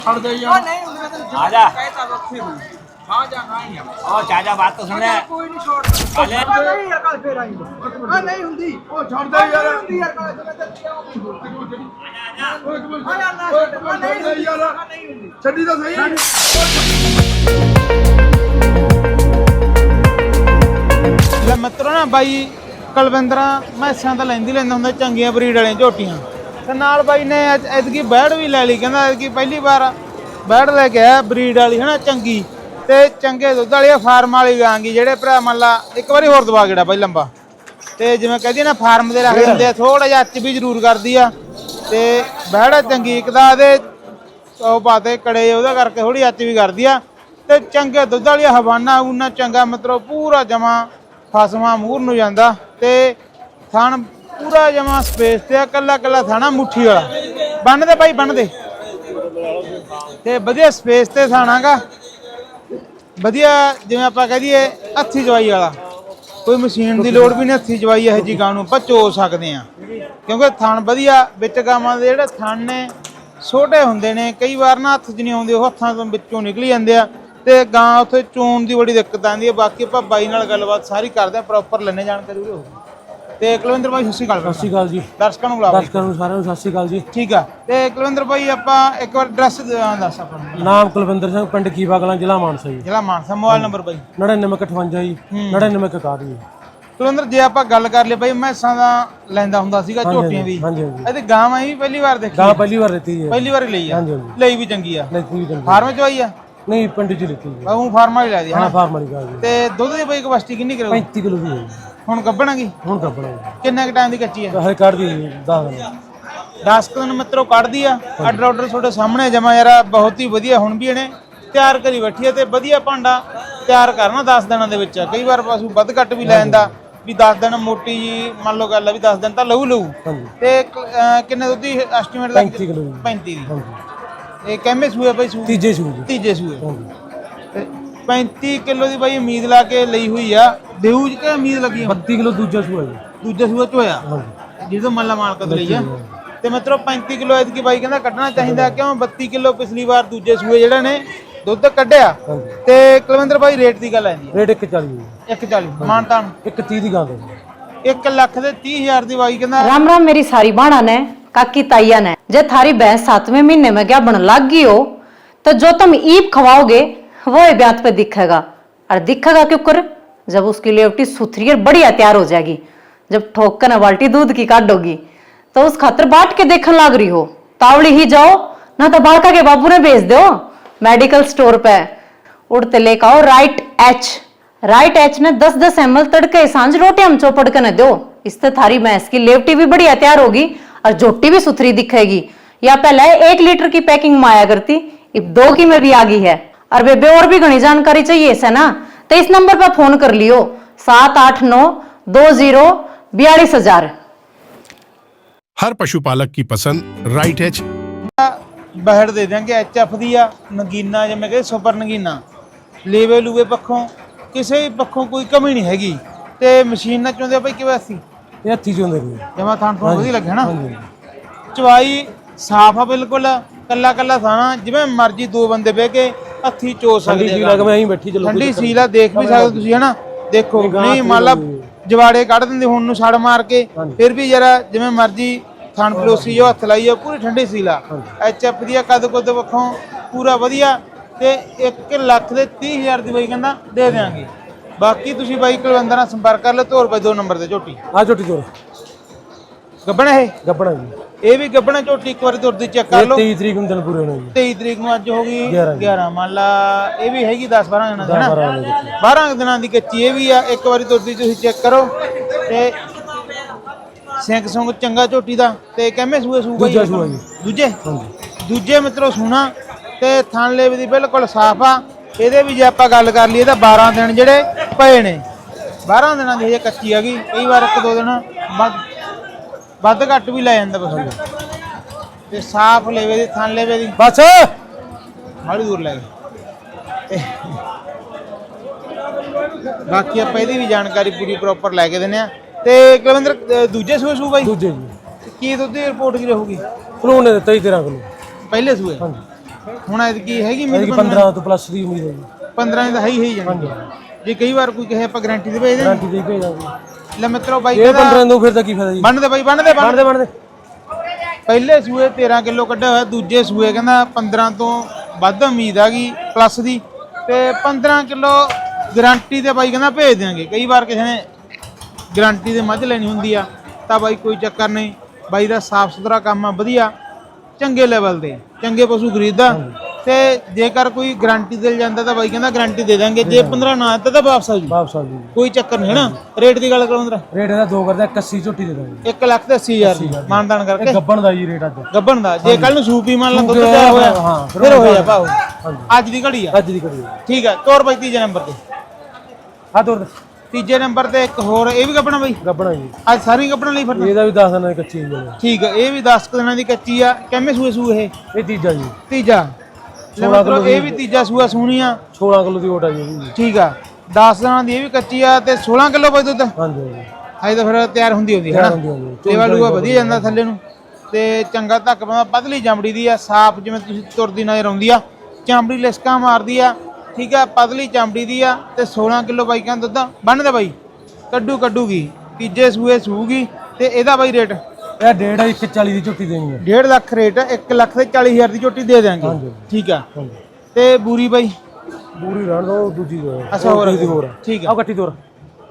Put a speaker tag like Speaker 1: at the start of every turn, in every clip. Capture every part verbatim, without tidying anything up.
Speaker 1: छोड़ दे यार नहीं आ जा कहता वक्त हुई हां जा नहीं है ओ चाचा बात तो सुन ले कोई नहीं छोड़ कल नहीं यार कल फिर आएंगे हां नहीं हुंदी ओ छोड़ दे यार हुंदी यार कल मैं चलती आऊं हां यार ना नहीं यार नहीं हुंदी छड्डी तो सही
Speaker 2: ले मित्रों ना भाई कुलविंदर मैसां ਤਾਂ ਲੈਂਦੀ ਲੈਂਦਾ ਹੁੰਦਾ ਚੰਗੀਆਂ ਬਰੀਡ ਵਾਲੀਆਂ ਝੋਟੀਆਂ ਤੇ ਨਾਲ ਬਾਈ ਨੇ ਐਤਕੀ ਬੈੜ ਵੀ ਲੈ ਲਈ ਕਹਿੰਦਾ ਐਤਕੀ ਪਹਿਲੀ ਵਾਰ ਬੈੜ ਲੈ ਕੇ ਆਇਆ ਬਰੀਡ ਵਾਲੀ ਹਨਾ ਚੰਗੀ ਤੇ ਚੰਗੇ ਦੁੱਧ ਵਾਲੀ ਫਾਰਮ ਵਾਲੀ ਗਾਂਗੀ ਜਿਹੜੇ ਭਰਾ ਮੰਨ ਲਾ ਇੱਕ ਵਾਰੀ ਹੋਰ ਦਵਾ ਗੇੜਾ ਬਾਈ ਲੰਬਾ ਤੇ ਜਿਵੇਂ ਕਹਦੀ ਨਾ ਫਾਰਮ ਦੇ ਰੱਖ ਦਿੰਦੇ ਆ ਥੋੜਾ ਜਿਹਾ ਅੱਚ ਵੀ ਜ਼ਰੂਰ ਕਰਦੀ ਆ ਤੇ ਬੈੜ ਚੰਗੀ ਇੱਕ ਦਾ ਇਹਦੇ ਉਹ ਪਾਤੇ ਕੜੇ ਉਹਦਾ ਕਰਕੇ ਥੋੜੀ ਅੱਚ ਵੀ ਕਰਦੀ ਆ ਤੇ ਚੰਗੇ ਦੁੱਧ ਵਾਲੀ ਹਵਾਨਾ ਉਹਨਾਂ ਚੰਗਾ ਮਤਲਬ ਪੂਰਾ ਜਮਾ ਫਸਵਾ ਮੂਰ ਨੂੰ ਜਾਂਦਾ ਤੇ ਥਣ पूरा जमा स्पेस ते कला कला थाना मुट्ठी वाला बन दे भाई बन दे ते वधिया स्पेस ते थाना गा वधिया जिवें आपां कह दईए हत्थी जवाई वाला कोई मशीन की लोड़ भी नहीं हत्थी जवाई इहो जी गां नूं आपां चो सकदे आ क्योंकि थण वधिया विच गावां दे जिहड़े थण ने छोटे हुंदे ने कई वार ना हत्थ च नहीं आउंदे ओह हत्थां तों विचों निकली जांदे आ ते गां उत्थे चोण दी बड़ी दिक्कत आंदी है बाकी आपां बाई नाल गलबात सारी करदे आ प्रॉपर लैने जानकारी होਊ ਤੇ ਕੁਲਵਿੰਦਰ ਭਾਈ ਸਤਿ ਸ਼੍ਰੀ ਅਕਾਲ
Speaker 3: ਸਤਿ ਸ਼੍ਰੀ ਅਕਾਲ ਜੀ
Speaker 2: ਦਰਸ਼ਕਾਂ ਨੂੰ ਬੁਲਾਓ
Speaker 3: ਦਰਸ਼ਕਾਂ ਨੂੰ ਸਾਰਿਆਂ ਨੂੰ ਸਤਿ ਸ਼੍ਰੀ ਅਕਾਲ ਜੀ ਠੀਕ
Speaker 2: ਆ ਤੇ ਕੁਲਵਿੰਦਰ ਭਾਈ ਆਪਾਂ ਇੱਕ ਵਾਰ ਐਡਰੈਸ ਦੱਸ ਆਪਣਾ
Speaker 3: ਨਾਮ ਕੁਲਵਿੰਦਰ ਸਿੰਘ ਪਿੰਡ ਕੀਵਾ ਕਲਾਂ ਜ਼ਿਲ੍ਹਾ ਮਾਨਸਾ ਜੀ
Speaker 2: ਜ਼ਿਲ੍ਹਾ ਮਾਨਸਾ ਮੋਬਾਈਲ ਨੰਬਰ ਬਾਈ
Speaker 3: ਨੜਿਨਵੇਂ ਅਠਵੰਜਾ ਜੀ ਨੜਿਨਵੇਂ ਇਕਾਹਠ ਜੀ
Speaker 2: ਕੁਲਵਿੰਦਰ ਜੇ ਆਪਾਂ ਗੱਲ ਕਰ ਲਈ ਬਾਈ ਮੈਸਾਂ ਦਾ ਲੈਂਦਾ ਹੁੰਦਾ ਸੀਗਾ ਝੋਟੀਆਂ ਵੀ
Speaker 3: ਹਾਂਜੀ ਹਾਂਜੀ
Speaker 2: ਇਹਦੇ ਗਾਵਾਂ ਵੀ ਪਹਿਲੀ ਵਾਰ ਦੇਖੀ
Speaker 3: ਗਾਂ ਪਹਿਲੀ ਵਾਰ ਲੈਤੀ ਜੀ
Speaker 2: ਪਹਿਲੀ ਵਾਰ ਲਈ ਆ
Speaker 3: ਹਾਂਜੀ ਹਾਂਜੀ
Speaker 2: ਲਈ ਵੀ ਚੰਗੀ ਆ
Speaker 3: ਲੈਤੀ ਵੀ ਚੰਗੀ
Speaker 2: ਫਾਰਮ ਚ ਆਈ ਆ
Speaker 3: ਨਹੀਂ ਪਿੰਡ ਚ ਲੈਤੀ ਜੀ
Speaker 2: ਉਹ ਫਾਰਮ ਵਾਲੀ ਲੈ ਦੀ
Speaker 3: ਹਾਂ ਫਾਰਮ ਵਾਲੀ ਗਾਂ ਜੀ
Speaker 2: ਤੇ ਦੁੱਧ ਦੀ ਬਾਈ ਕਪੈਸਿਟੀ ਕਿੰਨੀ ਕਰੋ
Speaker 3: ਪੈਂਤੀ ਕਿਲੋ ਦੀ ਹੈ ਜੀ
Speaker 2: ਹੁਣ ਗੱਭਣਾਗੀ
Speaker 3: ਹੁਣ ਕੱਪਣਾ ਜੀ
Speaker 2: ਕਿੰਨੇ ਕ ਟਾਈਮ ਦੀ ਕੱਚੀ ਆ
Speaker 3: ਹਰੇ ਕੱਢ ਦੀ ਦਸ ਦਿਨ
Speaker 2: ਦਸ ਦਿਨ ਮਿੱਤਰੋ ਕੱਢਦੀ ਆ ਆਰਡਰ ਆਰਡਰ ਤੁਹਾਡੇ ਸਾਹਮਣੇ ਜਮਾ ਯਾਰ ਬਹੁਤ ਹੀ ਵਧੀਆ ਹੁਣ ਵੀ ਇਹਨੇ ਤਿਆਰ ਕਰੀ ਬੈਠੀ ਹੈ ਤੇ ਵਧੀਆ ਭਾਂਡਾ ਤਿਆਰ ਕਰਨਾ ਦਸ ਦਿਨਾਂ ਦੇ ਵਿੱਚ ਕਈ ਵਾਰ ਪਸ਼ੂ ਵੱਧ ਘੱਟ ਵੀ ਲੈ ਜਾਂਦਾ ਵੀ ਦਸ ਦਿਨ ਮੋਟੀ ਜੀ ਮੰਨ ਲਓ ਗੱਲ ਆ ਵੀ ਦਸ ਦਿਨ ਤਾਂ ਲਊ ਲਊ ਤੇ ਕਿੰਨੇ ਦੁੱਧ ਦੀ ਐਸਟੀਮੇਟ ਦਾ
Speaker 3: ਪੈਂਤੀ ਕਿਲੋ ਜੀ
Speaker 2: ਪੈਂਤੀ ਦੀ ਇਹ ਕਿੰਨੇ ਸੂਏ ਬਈ ਸੂ
Speaker 3: ਤੀਜੇ ਸੂਏ
Speaker 2: ਤੀਜੇ ਸੂਏ ਤੇ ਪੈਂਤੀ ਕਿਲੋ ਦੀ ਬਾਈ ਉਮੀਦ ਲਾ ਕੇ ਲਈ ਹੋਈ ਆ ਦੇਊ ਜੀ ਕਿ ਉਮੀਦ ਲੱਗੀ
Speaker 3: ਬੱਤੀ ਕਿਲੋ ਦੂਜਾ ਸੂਆ ਜੀ
Speaker 2: ਦੂਜਾ ਸੂਆ ਚ ਹੋਇਆ ਜਿਹਦੋਂ ਮੱਲਾ ਮਾਲਕ ਤੋਂ ਲਈ ਆ ਤੇ ਮਿੱਤਰੋ ਪੈਂਤੀ ਕਿਲੋ ਐਤਕੀ ਬਾਈ ਕਹਿੰਦਾ ਕੱਢਣਾ ਚਾਹੀਦਾ ਕਿਉਂ ਬੱਤੀ ਕਿਲੋ ਪਿਛਲੀ ਵਾਰ ਦੂਜੇ ਸੂਏ ਜਿਹੜਾ ਨੇ ਦੁੱਧ ਕੱਢਿਆ ਤੇ ਕੁਲਵਿੰਦਰ ਬਾਈ ਰੇਟ ਦੀ ਗੱਲ ਆਂਦੀ
Speaker 3: ਰੇਟ ਇੱਕ ਚਾਲੀ
Speaker 2: ਇੱਕ ਚਾਲੀ ਮਾਨਤਾਨ
Speaker 3: ਇੱਕ ਤੀਹ ਦੀ ਗਾਂ ਦਾ
Speaker 2: एक लाख दे तीह हजार दी बाई कहंदा
Speaker 4: राम राम मेरी सारी बाणा ने काकी ताइया ने जे थारी भैंस सातवें महीने में क्या बन लग गई हो तो जो तुम ईप खवाओगे वो ब्यात पे दिखेगा और दिखेगा क्यों कर जब उसकी लेवटी सुथरी और बढ़िया तैयार हो जाएगी जब ठोक कर न बाल्टी दूध की काटोगी तो उस खातर बाट के देखने लग रही हो तावड़ी ही जाओ ना तो बालका के बाबू ने भेज दो मेडिकल स्टोर पे उड़ते लेकर आओ राइट एच राइट एच ने दस दस एम एल तड़के सांझ रोटी हम चौपड़ के न दो इससे थारी भैंस की लेवटी भी बढ़िया तैयार होगी और जोटी भी सुथरी दिखेगी या पहले एक लीटर की पैकिंग में आया करती अब दो की में भी आ गई है और बेबे और भी घनी जानकारी चाहिए इसे ना तो इस नंबर पर फोन कर लियो सात आठ नौ दो जीरो बयालीस हजार।
Speaker 5: हर पशुपालक की पसंद राइट एच
Speaker 2: बहड़ दे देंगे एच एफ दी आ नगीना जिवें कहते सुपर नगीना लेवे लूवे पक्षों ਕਿਸੇ ਵੀ ਪੱਖੋਂ ਕੋਈ ਕਮੀ ਨਹੀਂ ਹੈਗੀ ਤੇ ਮਸ਼ੀਨ ਨਾਲ ਚੋਂਦੇ ਭਾਈ ਕਿਵੇਂ ਅਸੀਂ
Speaker 3: ਇਹ ਹੱਥੀ ਚੋਂਦੇ ਨੇ
Speaker 2: ਜਮਾ ਥਾਂ ਤੋਂ ਵਧੀਆ ਲੱਗਿਆ ਨਾ ਚਵਾਈ ਸਾਫ ਆ ਬਿਲਕੁਲ ਕੱਲਾ ਕੱਲਾ ਥਾਣਾ ਜਿਵੇਂ ਮਰਜ਼ੀ ਦੋ ਬੰਦੇ ਬਹਿ ਕੇ ਹੱਥੀ ਚੋ ਸਕਦੇ
Speaker 3: ਆ ਲੱਗ ਮੈਂ ਐਂ ਬੈਠੀ ਚਲੋ
Speaker 2: ਠੰਡੀ ਸੀਲ ਆ ਦੇਖ ਵੀ ਸਕਦੇ ਤੁਸੀਂ ਹਨਾ ਦੇਖੋ ਨਹੀਂ ਮੰਨ ਲਾ ਜਵਾੜੇ ਕੱਢ ਦਿੰਦੇ ਹੁਣ ਨੂੰ ਛੜ ਮਾਰ ਕੇ ਫਿਰ ਵੀ ਜਰਾ ਜਿਵੇਂ ਮਰਜ਼ੀ ਥਾਣ ਪਲੋਸੀ ਜੋ ਹੱਥ ਲਾਈਏ ਪੂਰੀ ਠੰਡੀ ਸੀਲ ਆ ਐਚ ਐਫ ਦੀ ਕਦ ਕੁਦ ਵੱਖੋਂ ਪੂਰਾ ਵਧੀਆ ਤੇ ਇੱਕ ਲੱਖ ਦੇ ਤੀਹ ਹਜ਼ਾਰ ਦੀ ਬਾਈ ਕਹਿੰਦਾ ਦੇ ਦੇਾਂਗੇ ਬਾਕੀ ਤੁਸੀਂ ਬਾਈ ਕੁਲਵਿੰਦਰ ਨਾਲ ਸੰਪਰਕ ਕਰ ਲਓ ਤੋਰ ਬਾਈ ਦੋ ਨੰਬਰ ਤੇ ਝੋਟੀ
Speaker 3: ਆ ਝੋਟੀ ਤੋਰ
Speaker 2: ਗੱਬਣਾ ਇਹ
Speaker 3: ਗੱਬਣਾ ਜੀ
Speaker 2: ਇਹ ਵੀ ਗੱਬਣਾ ਝੋਟੀ ਇੱਕ ਵਾਰੀ ਤੁਰਦੀ ਚੈੱਕ ਕਰ ਲਓ
Speaker 3: ਤੇਈ ਤਰੀਕ ਨੂੰ ਦਿਨ ਪੂਰੇ ਹੋਣੇ ਜੀ
Speaker 2: ਤੇਈ ਤਰੀਕ ਨੂੰ ਅੱਜ ਹੋ ਗਈ ਗਿਆਰਾਂ ਮੰਨ ਲਾ ਇਹ ਵੀ ਹੈਗੀ ਦਸ ਬਾਰਾਂ ਦਿਨਾਂ ਦੀ ਨਾ ਬਾਰਾਂ ਦਿਨਾਂ ਦੀ ਕੱਚੀ ਇਹ ਵੀ ਆ ਇੱਕ ਵਾਰੀ ਤੁਰਦੀ ਤੁਸੀਂ ਚੈੱਕ ਕਰੋ ਤੇ ਸਿੰਘ ਸੁੰਗ ਚੰਗਾ ਝੋਟੀ ਦਾ ਤੇ ਕਿੰਨੇ ਸੂਏ ਸੂ ਬਾਈ ਦੂਜੇ ਦੂਜੇ ਮਿੱਤਰੋ ਸੁਣਾ ਤੇ ਥਣ ਲੇਵੇ ਦੀ ਬਿਲਕੁਲ ਸਾਫ ਆ ਇਹਦੇ ਵੀ ਜੇ ਆਪਾਂ ਗੱਲ ਕਰ ਲਈਏ ਤਾਂ ਬਾਰਾਂ ਦਿਨ ਜਿਹੜੇ ਪਏ ਨੇ ਬਾਰਾਂ ਦਿਨਾਂ ਦੀ ਹਜੇ ਕੱਚੀ ਹੈਗੀ ਕਈ ਵਾਰ ਇੱਕ ਦੋ ਦਿਨ ਵੱਧ ਵੱਧ ਘੱਟ ਵੀ ਲੈ ਜਾਂਦਾ ਬਸ ਤੇ ਸਾਫ ਲੇਵੇ ਦੀ ਥਣ ਲੇਵੇ ਦੀ
Speaker 3: ਬਸ
Speaker 2: ਮਾੜੀ ਦੂਰ ਲੈ ਗਏ ਬਾਕੀ ਆਪਾਂ ਇਹਦੀ ਵੀ ਜਾਣਕਾਰੀ ਪੂਰੀ ਪ੍ਰੋਪਰ ਲੈ ਕੇ ਦਿੰਨੇ ਆ ਤੇ ਕੁਲਵਿੰਦਰ ਦੂਜੇ ਸੂਏ ਸੂ ਬਾਈ
Speaker 3: ਦੂਜੇ ਜੀ
Speaker 2: ਕੀ ਦੁੱਧ ਦੀ ਰਿਪੋਰਟ ਕੀ ਰਹੂਗੀ
Speaker 3: ਉਹਨੇ ਦਿੱਤਾ ਹੀ ਤੇਰਾਂ ਕਿਲੋ
Speaker 2: ਪਹਿਲੇ ਸੂਏ
Speaker 3: ਹਾਂਜੀ
Speaker 2: ਹੁਣ ਐਤਕੀ ਹੈਗੀ
Speaker 3: ਇਹਦੀ
Speaker 2: ਉਮੀਦ
Speaker 3: ਪੰਦਰਾਂ ਤੋਂ ਪਲੱਸ ਦੀ ਉਮੀਦ ਹੈ ਜੀ।
Speaker 2: ਪੰਦਰਾਂ ਦੀ ਤਾਂ ਹੈ ਹੀ ਹੈ ਹੀ ਜਾਣੀ ਜੇ ਕਈ ਵਾਰ ਕੋਈ ਕਹੇ ਆਪਾਂ ਗਾਰੰਟੀ ਦੇ ਭੇਜ ਦੇ
Speaker 3: ਗਾਰੰਟੀ ਦੇ ਭੇਜਾਂਗੇ।
Speaker 2: ਲੈ ਮਿੱਤਰੋ ਬਾਈ
Speaker 3: ਇਹ
Speaker 2: ਕਹਿੰਦਾ
Speaker 3: ਪੰਦਰਾਂ ਨੂੰ ਫਿਰ ਤਾਂ ਕੀ ਫਾਇਦਾ ਜੀ।
Speaker 2: ਬੰਨ ਦੇ ਬਾਈ ਬੰਨ ਦੇ ਬੰਨ
Speaker 3: ਬਣਦੇ ਬਣਦੇ
Speaker 2: ਪਹਿਲੇ ਸੂਏ ਤੇਰਾਂ ਕਿਲੋ ਕੱਢਿਆ ਹੋਇਆ, ਦੂਜੇ ਸੂਏ ਕਹਿੰਦਾ ਪੰਦਰਾਂ ਤੋਂ ਵੱਧ ਉਮੀਦ ਹੈਗੀ ਪਲੱਸ ਦੀ, ਤੇ ਪੰਦਰਾਂ ਕਿਲੋ ਗਾਰੰਟੀ ਤੇ ਬਾਈ ਕਹਿੰਦਾ ਭੇਜ ਦਿਆਂਗੇ। ਕਈ ਵਾਰ ਕਿਸੇ ਨੇ ਗਾਰੰਟੀ ਦੇ ਮੱਝ ਲੈਣੀ ਹੁੰਦੀ ਆ ਤਾਂ ਬਾਈ ਕੋਈ ਚੱਕਰ ਨਹੀਂ, ਬਾਈ ਦਾ ਸਾਫ ਸੁਥਰਾ ਕੰਮ ਆ, ਵਧੀਆ ਚੰਗੇ ਲੈਵਲ ਦੇ ਚੰਗੇ ਪਸ਼ੂ ਖਰੀਦਦਾ, ਤੇ ਜੇਕਰ ਕੋਈ ਗਾਰੰਟੀ ਦੇ ਜਾਂਦਾ ਤਾਂ ਬਾਈ ਕਹਿੰਦਾ ਗਾਰੰਟੀ ਦੇ ਦਾਂਗੇ, ਜੇ ਪੰਦਰਾਂ ਨਾ ਦਿੱਤਾ ਤਾਂ ਵਾਪਸ ਆ ਜੂ,
Speaker 3: ਵਾਪਸ ਆ ਜੀ।
Speaker 2: ਕੋਈ ਚੱਕਰ ਨਹੀਂ ਹੈ ਨਾ। ਰੇਟ ਦੀ ਗੱਲ ਕਰਾਂ
Speaker 3: ਰੇਟ ਇਹਦਾ ਦੋ ਕਰਦਾ ਇਕੱਸੀ ਝੋਟੀ ਦੇ ਦਾਂਗੇ।
Speaker 2: ਇੱਕ ਲੱਖ ਤੇ ਅੱਸੀ ਹਜ਼ਾਰ ਦੀ ਮਾਨਦਾਨ ਕਰਕੇ
Speaker 3: ਇਹ ਗੱਬਣ ਦਾ ਜੀ ਰੇਟ ਅੱਜ।
Speaker 2: ਗੱਬਣ ਦਾ ਜੇ ਕੱਲ ਨੂੰ ਸੂਪੀ ਮੰਨ ਲਾ ਦੁੱਧ
Speaker 3: ਸੂਪ
Speaker 2: ਤਿਆਰ ਹੋਇਆ
Speaker 3: ਹਾਂ, ਫਿਰ
Speaker 2: ਫਿਰ ਹੋਇਆ ਭਾਉ
Speaker 3: ਹਾਂਜੀ।
Speaker 2: ਅੱਜ ਦੀ ਘੜੀ ਆ
Speaker 3: ਅੱਜ ਦੀ ਕਰੀ
Speaker 2: ਠੀਕ ਆ। ਤੋਰ ਬਾਈ ਤੀਜੇ ਨੰਬਰ ਤੇ
Speaker 3: ਆ ਤੋਰ
Speaker 2: ਤੀਜੇ ਨੰਬਰ ਤੇ ਇੱਕ ਹੋਰ ਇਹ ਵੀ ਗੱਬਣਾ ਬਾਈ
Speaker 3: ਗੱਬਣਾ ਜੀ।
Speaker 2: ਅੱਜ ਸਾਰੀ ਗੱਬਣ ਲਈ ਫਿਰਨਾ
Speaker 3: ਇਹਦਾ ਵੀ ਦਸ ਦਿਨਾਂ ਦੀ ਕੱਚੀ ਹੈ
Speaker 2: ਠੀਕ ਆ। ਇਹ ਵੀ ਦਸ ਕੁ ਦਿਨਾਂ ਦੀ ਕੱਚੀ ਆ। ਕਿੰਨੇ ਸੂਏ ਸੂ ਇਹ
Speaker 3: ਇਹ ਤੀਜਾ ਜੀ।
Speaker 2: ਤੀਜਾ ਮਤਲਬ ਇਹ ਵੀ ਤੀਜਾ ਸੂਆ ਸੂਣੀ ਆ।
Speaker 3: ਸੋਲਾਂ ਕਿਲੋ ਦੀ ਓਟ ਆ ਜੀ ਇਹਦੀ।
Speaker 2: ਠੀਕ ਆ। ਦਸ ਦਿਨਾਂ ਦੀ ਇਹ ਵੀ ਕੱਚੀ ਆ ਤੇ ਸੋਲਾਂ ਕਿਲੋ ਬਾਈ ਦੁੱਧ
Speaker 3: ਹਾਂਜੀ ਹਾਂਜੀ
Speaker 2: ਹਜੇ ਤਾਂ ਫਿਰ ਤਿਆਰ ਹੁੰਦੀ ਹੁੰਦੀ ਹੈ ਨਾ।
Speaker 3: ਹੁੰਦੀ ਹੁੰਦੀ
Speaker 2: ਲੇਵਾ ਲੂਆ ਵਧੀਆ ਜਾਂਦਾ ਥੱਲੇ ਨੂੰ ਤੇ ਚੰਗਾ ਧੱਕ ਪਾਉਂਦਾ, ਪਤਲੀ ਚਮੜੀ ਦੀ ਆ, ਸਾਫ਼ ਜਿਵੇਂ ਤੁਸੀਂ ਤੁਰਦੀ ਨਜ਼ਰ ਆਉਂਦੀ ਆ, ਚਮੜੀ ਲਿਸਕਾ ਮਾਰਦੀ ਆ ਠੀਕ ਆ, ਪਤਲੀ ਚਮੜੀ ਦੀ ਆ ਤੇ ਸੋਲਾਂ ਕਿਲੋ ਬਾਈ ਕਹਿੰਦਾ ਦੁੱਧ ਬੰਨਦੇ ਬਾਈ ਕੱਢੂ ਕੱਢੂਗੀ ਤੀਜੇ ਸੂਏ ਸੂਗੀ। ਤੇ ਇਹਦਾ ਬਾਈ ਰੇਟ
Speaker 3: ਇਹ ਡੇਢ ਇੱਕ ਚਾਲੀ ਦੀ ਝੋਟੀ ਦੇਣੀ ਹੈ।
Speaker 2: ਡੇਢ ਲੱਖ ਰੇਟ ਇੱਕ ਲੱਖ ਤੇ ਚਾਲੀ ਹਜ਼ਾਰ ਦੀ ਝੋਟੀ ਦੇ ਦਿਆਂਗੇ ਠੀਕ ਆ। ਤੇ ਬੂਰੀ ਬਾਈ
Speaker 3: ਬੂਰੀ ਰਹਿਣ ਦੋ ਦੂਜੀ ਦੋ
Speaker 2: ਅੱਛਾ ਹੋਰ
Speaker 3: ਦੀ ਹੋਰ
Speaker 2: ਠੀਕ
Speaker 3: ਆ
Speaker 2: ਆ।
Speaker 3: ਕੱਟੀ ਤੋਰ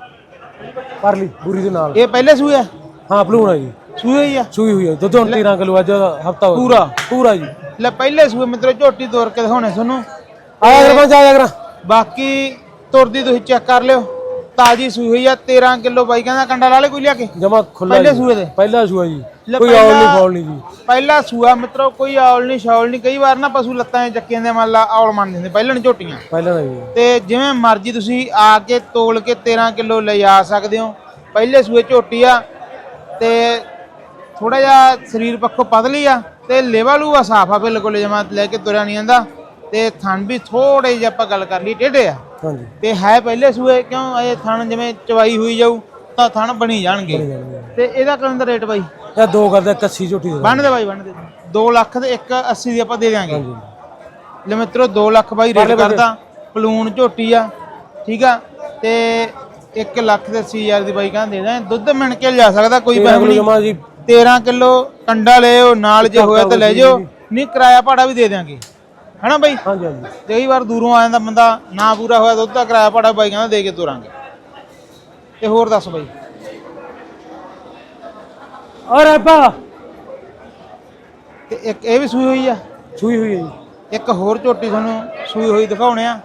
Speaker 3: ਪਰ ਲਈ ਬੂਰੀ ਦੇ ਨਾਲ
Speaker 2: ਇਹ ਪਹਿਲੇ ਸੂਏ ਆ
Speaker 3: ਹਾਂ ਭਲੂਣਾ ਜੀ
Speaker 2: ਸੂਏ ਹੀ ਆ
Speaker 3: ਸੂਈ ਹੋਈ ਹੈ ਦੁੱਧ ਹੁਣ ਤੇਰਾਂ ਕਿਲੋ ਅੱਜ ਹਫਤਾ ਹੋ
Speaker 2: ਪੂਰਾ
Speaker 3: ਪੂਰਾ ਜੀ।
Speaker 2: ਲੈ ਪਹਿਲੇ ਸੂਏ ਮਿੱਤਰੋ ਝੋਟੀ ਤੋਰ ਕੇ ਦਿਖਾਉਣੇ ਤੁਹਾਨੂੰ।
Speaker 3: ਆਇਆ ਕਰ ਪੰਜ ਆਇਆ ਕਰ
Speaker 2: ਬਾਕੀ ਤੁਰਦੀ ਤੁਸੀਂ ਚੈੱਕ ਕਰ ਲਿਓ, ਤਾਜੀ ਸੂਈ ਹੋਈ ਆ। ਤੇਰਾਂ ਕਿਲੋ ਬਾਈ ਕਹਿੰਦਾ ਕੰਡਾ ਲਾ ਲੈ ਕੋਈ ਲਿਆ ਕੇ
Speaker 3: ਜਮਾ ਖੁੱਲਾ
Speaker 2: ਪਹਿਲੇ ਸੂਏ ਦੇ
Speaker 3: ਪਹਿਲਾ ਸੂਆ ਜੀ।
Speaker 2: ਲੈ
Speaker 3: ਕੋਈ ਆਉਲ ਨਹੀਂ
Speaker 2: ਪਹਿਲਾ-
Speaker 3: ਫੌਲ ਨਹੀਂ ਜੀ।
Speaker 2: ਪਹਿਲਾ ਸੂਆ ਮਿੱਤਰੋ ਕੋਈ ਔਲ ਨਹੀਂ ਸ਼ੌਲ ਨਹੀਂ। ਕਈ ਵਾਰ ਨਾ ਪਸ਼ੂ ਲੱਤਾਂ 'ਚ ਚੱਕੀਆਂ ਦੇ ਮੰਨ ਲਾ ਔਲ ਮੰਨ ਦਿੰਦੇ ਪਹਿਲਾਂ ਨੀ ਝੋਟੀਆਂ,
Speaker 3: ਪਹਿਲਾਂ ਨਹੀਂ ਜੀ।
Speaker 2: ਤੇ ਜਿਵੇਂ ਮਰਜ਼ੀ ਤੁਸੀਂ ਆ ਕੇ ਤੋਲ ਕੇ ਤੇਰਾਂ ਕਿਲੋ ਲਿਜਾ ਸਕਦੇ ਹੋ। ਪਹਿਲੇ ਸੂਏ ਝੋਟੀ ਆ ਤੇ ਥੋੜਾ ਜਿਹਾ ਸਰੀਰ ਪੱਖੋਂ ਪਤਲੀ ਆ ਤੇ ਲੇਵਾ ਲੂਆ ਸਾਫ ਆ ਬਿਲਕੁਲ, ਜਮਾ ਲੈ ਕੇ ਤੁਰਿਆ ਨਹੀਂ ਜਾਂਦਾ। ਤੇ ਥਣ ਵੀ ਥੋੜੇ ਜਿਹੇ ਆਪਾਂ ਗੱਲ ਕਰ ਲਈ ਟੇਢੇ ਆ
Speaker 3: ਹਾਂਜੀ
Speaker 2: ਤੇ ਹੈ ਪਹਿਲੇ ਸੂਏ, ਕਿਉਂ ਇਹ ਥਣ ਜਿਵੇਂ ਚਵਾਈ ਹੋਈ ਜਾਊ ਤਾਂ ਥਣ ਬਣੀ ਜਾਣਗੇ। ਤੇ ਇਹਦਾ ਕਰਨ ਦਾ ਰੇਟ ਬਾਈ
Speaker 3: ਇਹ ਦੋ ਕਰਦਾ ਇਕੱਸੀ ਝੋਟੀ ਦੇ
Speaker 2: ਬੰਨ ਦੇ ਬਾਈ ਬੰਨ ਦੇ ਦੋ ਲੱਖ ਤੇ ਇੱਕ ਅੱਸੀ ਦੀ ਆਪਾਂ ਦੇ ਦਿਆਂਗੇ।
Speaker 3: ਹਾਂਜੀ
Speaker 2: ਲੈ ਮਿੱਤਰੋ ਦੋ ਲੱਖ ਬਾਈ ਰੇਟ ਕਰਦਾ, ਪਲੂਨ ਝੋਟੀ ਆ ਠੀਕ ਆ। ਤੇ ਇੱਕ ਲੱਖ ਤੇ ਅੱਸੀ ਹਜ਼ਾਰ ਦੀ ਬਾਈ ਕਹਿੰਦੇ ਦੇ ਦਾਂ। ਦੁੱਧ ਮਿਣ ਕੇ ਲਿਜਾ ਸਕਦਾ ਕੋਈ ਬਹਿਮ ਨਹੀਂ।
Speaker 3: ਜਮਾ ਜੀ
Speaker 2: ਤੇਰਾਂ ਕਿਲੋ ਕੰਡਾ ਲਿਓ ਨਾਲ, ਜੇ ਹੋਇਆ ਤਾਂ ਲੈ ਜਾਓ, ਨਹੀਂ ਕਿਰਾਇਆ ਭਾੜਾ ਵੀ ਦੇ ਦਿਆਂਗੇ ਹਨਾ ਬਾਈ।
Speaker 3: ਹਾਂਜੀ ਹਾਂਜੀ
Speaker 2: ਕਈ ਵਾਰ ਦੂਰੋਂ ਆ ਜਾਂਦਾ ਬੰਦਾ, ਨਾ ਪੂਰਾ ਹੋਇਆ ਦੁੱਧ ਦਾ ਕਿਰਾਇਆ ਭਾੜਾ ਬਾਈ ਕਹਿੰਦਾ ਦੇ ਕੇ ਤੋਰਾਂਗੇ। ਤੇ ਹੋਰ ਦੱਸ ਬਾਈ
Speaker 3: ਔਰ ਆਪਾ
Speaker 2: ਤੇ ਇੱਕ ਇਹ ਵੀ ਸੂਈ ਹੋਈ ਆ।
Speaker 3: ਸੂਈ ਹੋਈ ਹੈ ਜੀ।
Speaker 2: ਇੱਕ ਹੋਰ ਝੋਟੀ ਤੁਹਾਨੂੰ ਸੂਈ ਹੋਈ ਦਿਖਾਉਣੇ ਆ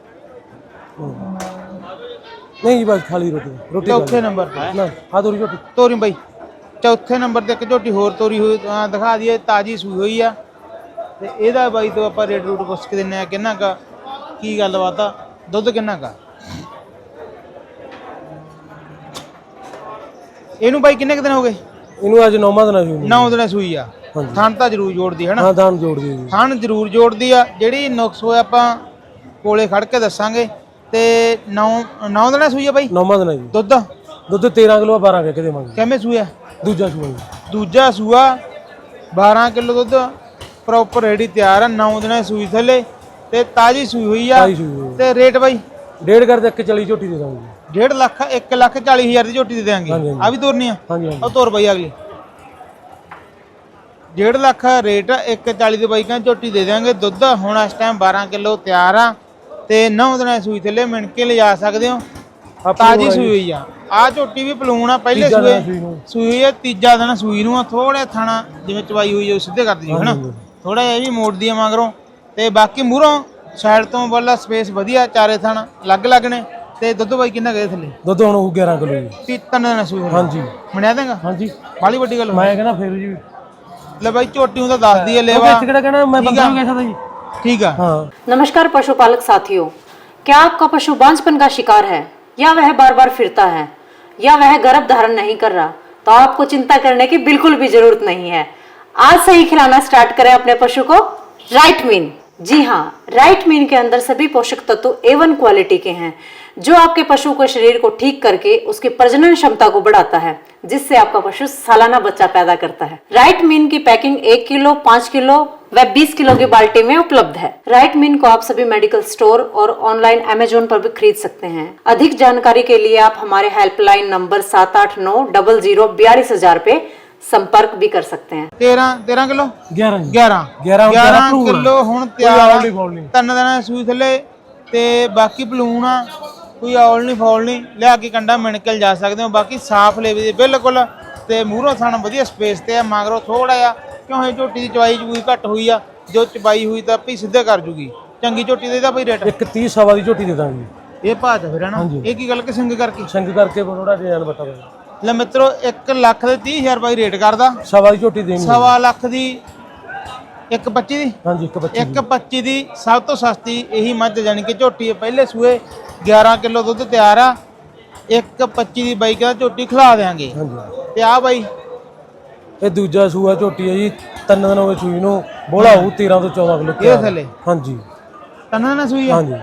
Speaker 3: ਨਹੀਂ ਜੀ ਬਸ ਖਾਲੀ ਰੋਟੀ ਰੋਟੀ
Speaker 2: ਚੌਥੇ ਨੰਬਰ ਤੇ
Speaker 3: ਨਾ ਆ ਤੋਰੀ ਝੋਟੀ
Speaker 2: ਤੋਰੀ ਬਾਈ ਚੌਥੇ ਨੰਬਰ ਤੇ ਇੱਕ ਝੋਟੀ ਹੋਰ ਤੋਰੀ ਹੋਈ ਅਹ ਦਿਖਾ ਦਈਏ, ਤਾਜੀ ਸੂਈ ਹੋਈ ਆ। ਤੇ ਇਹਦਾ ਬਾਈ ਤੋਂ ਆਪਾਂ ਰੇਟ ਰੂਟ ਪੁੱਛ ਕੇ ਦਿੰਨੇ ਆ ਕਿੰਨਾ ਕਾ ਕੀ ਗੱਲਬਾਤ ਆ, ਦੁੱਧ ਕਿੰਨਾ ਕਾ। ਇਹਨੂੰ ਬਾਈ ਕਿੰਨੇ ਕੁ ਦਿਨ ਹੋ ਗਏ?
Speaker 3: ਇਹਨੂੰ ਅੱਜ ਨੌਵਾਂ ਦਿਨ ਸੂਈ
Speaker 2: ਨੌ ਦਿਨ ਸੂਈ ਆ।
Speaker 3: ਹਾਂਜੀ।
Speaker 2: ਥਣ ਤਾਂ ਜ਼ਰੂਰ ਜੋੜਦੀ ਹੈ ਨਾ,
Speaker 3: ਹਾਂ ਦਾਨ ਜੋੜ ਦਿਓ ਜੀ।
Speaker 2: ਥਣ ਜ਼ਰੂਰ ਜੋੜਦੀ ਆ। ਜਿਹੜੀ ਨੁਕਸ ਹੋਇਆ ਆਪਾਂ ਕੋਲੇ ਖੜ ਕੇ ਦੱਸਾਂਗੇ। ਤੇ ਨੌ ਨੌ ਦਿਨ ਸੂਈ ਆ ਬਾਈ।
Speaker 3: ਨੌਵਾਂ ਦਿਨ ਜੀ।
Speaker 2: ਦੁੱਧ
Speaker 3: ਦੁੱਧ ਤੇਰਾਂ ਕਿਲੋ ਬਾਰਾਂ ਕਹਿ ਕੇ ਦੇਵਾਂਗੇ।
Speaker 2: ਕਿਵੇਂ ਸੂਆ?
Speaker 3: ਦੂਜਾ ਸੂਆ ਜੀ।
Speaker 2: ਦੂਜਾ ਸੂਆ ਬਾਰਾਂ ਕਿਲੋ ਦੁੱਧ ਪ੍ਰੋਪਰ ਰੈਡੀ ਤਿਆਰ ਆ। ਨੌ ਦਿਨਾਂ ਸੂਈ ਥੱਲੇ ਤੇ ਤਾਜੀ ਸੂਈ ਹੋਈ ਆ।
Speaker 3: ਤਾਜ਼ੀ ਸੂਈ ਹੋਈ।
Speaker 2: ਤੇ ਰੇਟ ਬਾਈ
Speaker 3: ਡੇਢ ਕਰਦੇ ਇੱਕ ਚਾਲੀ ਝੋਟੀ ਦੇ ਦਾਂਗੇ ਜੀ।
Speaker 2: ਡੇਢ ਲੱਖ ਇੱਕ ਲੱਖ ਚਾਲੀ ਹਜ਼ਾਰ ਦੀ ਝੋਟੀ ਦੇ ਦਿਆਂਗੇ।
Speaker 3: ਹਾਂਜੀ, ਹਾਂਜੀ।
Speaker 2: ਆ ਵੀ ਤੋਰਨੀ ਆ
Speaker 3: ਹਾਂਜੀ ਹਾਂਜੀ
Speaker 2: ਉਹ ਤੋਰ ਬਾਈ ਅਗਲੀ ਡੇਢ ਲੱਖ ਰੇਟ ਇੱਕ ਚਾਲੀ ਦੇ ਬਾਈਕਾਂ ਝੋਟੀ ਦੇ ਦਿਆਂਗੇ। ਦੁੱਧ ਹੁਣ ਇਸ ਟਾਈਮ ਬਾਰਾਂ ਕਿਲੋ ਤਿਆਰ ਆ ਤੇ ਨੌ ਦਿਨਾਂ ਸੂਈ ਥੱਲੇ ਮਿਣ ਕੇ ਲਿਜਾ ਸਕਦੇ ਹੋ। ਤਾਜੀ ਸੂਈ ਹੋਈ ਆ। ਆ ਝੋਟੀ ਵੀ ਪਲੂਣ ਆ, ਪਹਿਲੇ
Speaker 3: ਤੀਜਾ
Speaker 2: ਸੂਏ
Speaker 3: ਦਿਨ ਸੂਈ ਨੂੰ।
Speaker 2: ਸੂਈ ਹੋਈ ਆ, ਤੀਜਾ ਦਿਨ ਸੂਈ ਨੂੰ ਆ। ਥੋੜਾ ਥਾਣਾ ਜਿਵੇਂ ਚਵਾਈ ਹੋਈ ਆ ਸਿੱਧੇ ਕਰ ਦਿਓ ਹਨਾ, ਥੋੜਾ ਜਿਹਾ ਇਹ ਵੀ ਮੋੜਦੀ ਆ ਮਗਰੋਂ। ਤੇ ਬਾਕੀ ਮੂਹਰੋਂ ਸਾਈਡ ਤੋਂ ਵਾਲਾ ਸਪੇਸ ਵਧੀਆ, ਚਾਰੇ ਥਾਣਾ ਅਲੱਗ ਅਲੱਗ ਨੇ। ਤੇ ਦੁੱਧ ਬਾਈ ਕਿੰਨਾ ਗਏ ਥੱਲੇ?
Speaker 3: ਦੁੱਧ ਹੁਣ ਉਹ ਗਿਆਰਾਂ ਕਿਲੋ ਜੀ।
Speaker 2: ਤੀ ਤਿੰਨ ਦਿਨ ਸੂਈ ਹੋਣੀ।
Speaker 3: ਹਾਂਜੀ
Speaker 2: ਮਣਿਆ ਦੇਗਾ
Speaker 3: ਹਾਂਜੀ
Speaker 2: ਬਾਲੀ ਵੱਡੀ ਗੱਲ
Speaker 3: ਮੈਂ ਕਹਿੰਦਾ ਫੇਰ ਜੀ
Speaker 2: ਲੈ ਬਾਈ ਝੋਟੀ ਨੂੰ ਤਾਂ ਦੱਸਦੀ ਹੈ ਲੇਵਾ।
Speaker 3: ਕਿਹੜਾ ਕਹਿਣਾ ਮੈਂ ਬੰਦਾ ਵੀ ਕਹਿ ਸਕਦਾ ਜੀ।
Speaker 2: ਠੀਕ ਆ।
Speaker 3: हाँ
Speaker 4: नमस्कार पशुपालक साथियों, क्या आपका पशु बांझपन का शिकार है या वह बार बार फिरता है या वह गर्भ धारण नहीं कर रहा, तो आपको चिंता करने की बिल्कुल भी जरूरत नहीं है। आज से ही खिलाना स्टार्ट करें अपने पशु को राइट मीन। जी हाँ, राइट मीन के अंदर सभी पोषक तत्व ए वन क्वालिटी के हैं, जो आपके पशु के शरीर को ठीक करके उसकी प्रजनन क्षमता को बढ़ाता है, जिससे आपका पशु सालाना बच्चा पैदा करता है। राइट मीन की पैकिंग एक किलो, पाँच किलो व बीस किलो की बाल्टी में उपलब्ध है। राइट मीन को आप सभी मेडिकल स्टोर और ऑनलाइन अमेजोन पर भी खरीद सकते हैं। अधिक जानकारी के लिए आप हमारे हेल्पलाइन नंबर सात आठ नौ डबल जीरो बयालीस हजार पे संपर्क भी कर सकते हैं।
Speaker 2: तेरह तेरह किलो
Speaker 3: ਗਿਆਰਾਂ ਜੀ
Speaker 2: ਗਿਆਰਾਂ
Speaker 3: ਗਿਆਰਾਂ ਹੁਣ
Speaker 2: ਗਿਆਰਾਂ
Speaker 3: ਭਲੂਣ ਆ।
Speaker 2: ਕਿਲੋ ਹੁਣ
Speaker 3: ਕੋਈ
Speaker 2: ਤਿਆਰ
Speaker 3: ਔਲ
Speaker 2: ਆ।
Speaker 3: ਨਹੀਂ ਫੌਲ ਨਹੀਂ।
Speaker 2: ਤਿੰਨ ਦਿਨਾਂ ਦੀ ਸੂਈ ਥੱਲੇ ਤੇ ਬਾਕੀ ਪਲੂਣ ਆ, ਕੋਈ ਔਲ ਨਹੀਂ ਫੌਲ ਨਹੀਂ, ਲਿਆ ਕੇ ਕੰਡਾ ਮਿਣਕਲ ਜਾ ਸਕਦੇ ਹੋ। ਬਾਕੀ ਸਾਫ ਲੇਵੇ ਦੇ ਬਿਲਕੁਲ ਤੇ ਮੂਹਰੋਂ ਥਣ ਵਧੀਆ ਸਪੇਸ ਤੇ ਆ, ਮਗਰੋਂ ਥੋੜਾ ਆ ਕਿਉਂ ਇਹ ਝੋਟੀ ਦੀ ਚਵਾਈ ਚੂਈ ਘੱਟ ਹੋਈ ਆ, ਜੋ ਚਬਾਈ ਹੋਈ ਤਾਂ ਭਈ ਸਿੱਧੇ ਕਰ ਜੂਗੀ। ਚੰਗੀ ਝੋਟੀ ਦੇ ਇਹਦਾ ਭਈ ਰੇਟ
Speaker 3: ਇੱਕ ਤੀਹ ਸਵਾ ਦੀ ਝੋਟੀ ਦੇ ਦਾਂਗੇ।
Speaker 2: ਇਹ ਭਾਅ ਚ ਫਿਰ ਹਨਾ
Speaker 3: ਹਾਂਜੀ।
Speaker 2: ਇਹ ਕੀ ਗੱਲ ਕਿ ਸਿੰਗ ਕਰਕੇ
Speaker 3: ਸੰਗ ਕਰਕੇ ਥੋੜਾ ਡਿਜ਼ਾਈਨ ਬਤਾ ਦੇ
Speaker 2: ਲੈ ਮਿੱਤਰੋ ਇੱਕ ਲੱਖ ਦੇ ਤੀਹ ਹਜ਼ਾਰ ਰੁਪਏ ਰੇਟ ਕਰਦਾ,
Speaker 3: ਸਵਾ ਦੀ ਝੋਟੀ ਦੇਣੀ।
Speaker 2: ਸਵਾ ਲੱਖ ਦੀ ਇੱਕ ਪੱਚੀ ਦੀ
Speaker 3: ਹਾਂਜੀ ਇੱਕ ਬੱਚੀ
Speaker 2: ਇੱਕ ਪੱਚੀ ਦੀ ਸਭ ਤੋਂ ਸਸਤੀ ਇਹੀ ਮੱਝ ਜਾਣੀ ਕਿ ਝੋਟੀ ਹੈ, ਪਹਿਲੇ ਸੂਏ ਗਿਆਰਾਂ ਕਿਲੋ ਦੁੱਧ ਤਿਆਰ ਆ। ਇੱਕ ਪੱਚੀ ਦੀ ਬਾਈ ਕਹਿੰਦਾ ਝੋਟੀ ਖਿਲਾ ਦੇਾਂਗੇ।
Speaker 3: ਹਾਂਜੀ
Speaker 2: ਤੇ ਆ ਬਾਈ
Speaker 3: ਇਹ ਦੂਜਾ ਸੂਆ ਝੋਟੀ ਹੈ ਜੀ, ਤਿੰਨ ਦਿਨ ਹੋ ਗਏ ਸੂਈ ਨੂੰ, ਬੋਲਾ ਹੋਊ ਤੇਰਾਂ ਤੋਂ ਚੌਦਾਂ ਕਿਲੋ
Speaker 2: ਇਹ ਥੱਲੇ
Speaker 3: ਹਾਂਜੀ
Speaker 2: ਤੰਨਾ ਨਾ ਸੂਈ ਆ
Speaker 3: ਹਾਂਜੀ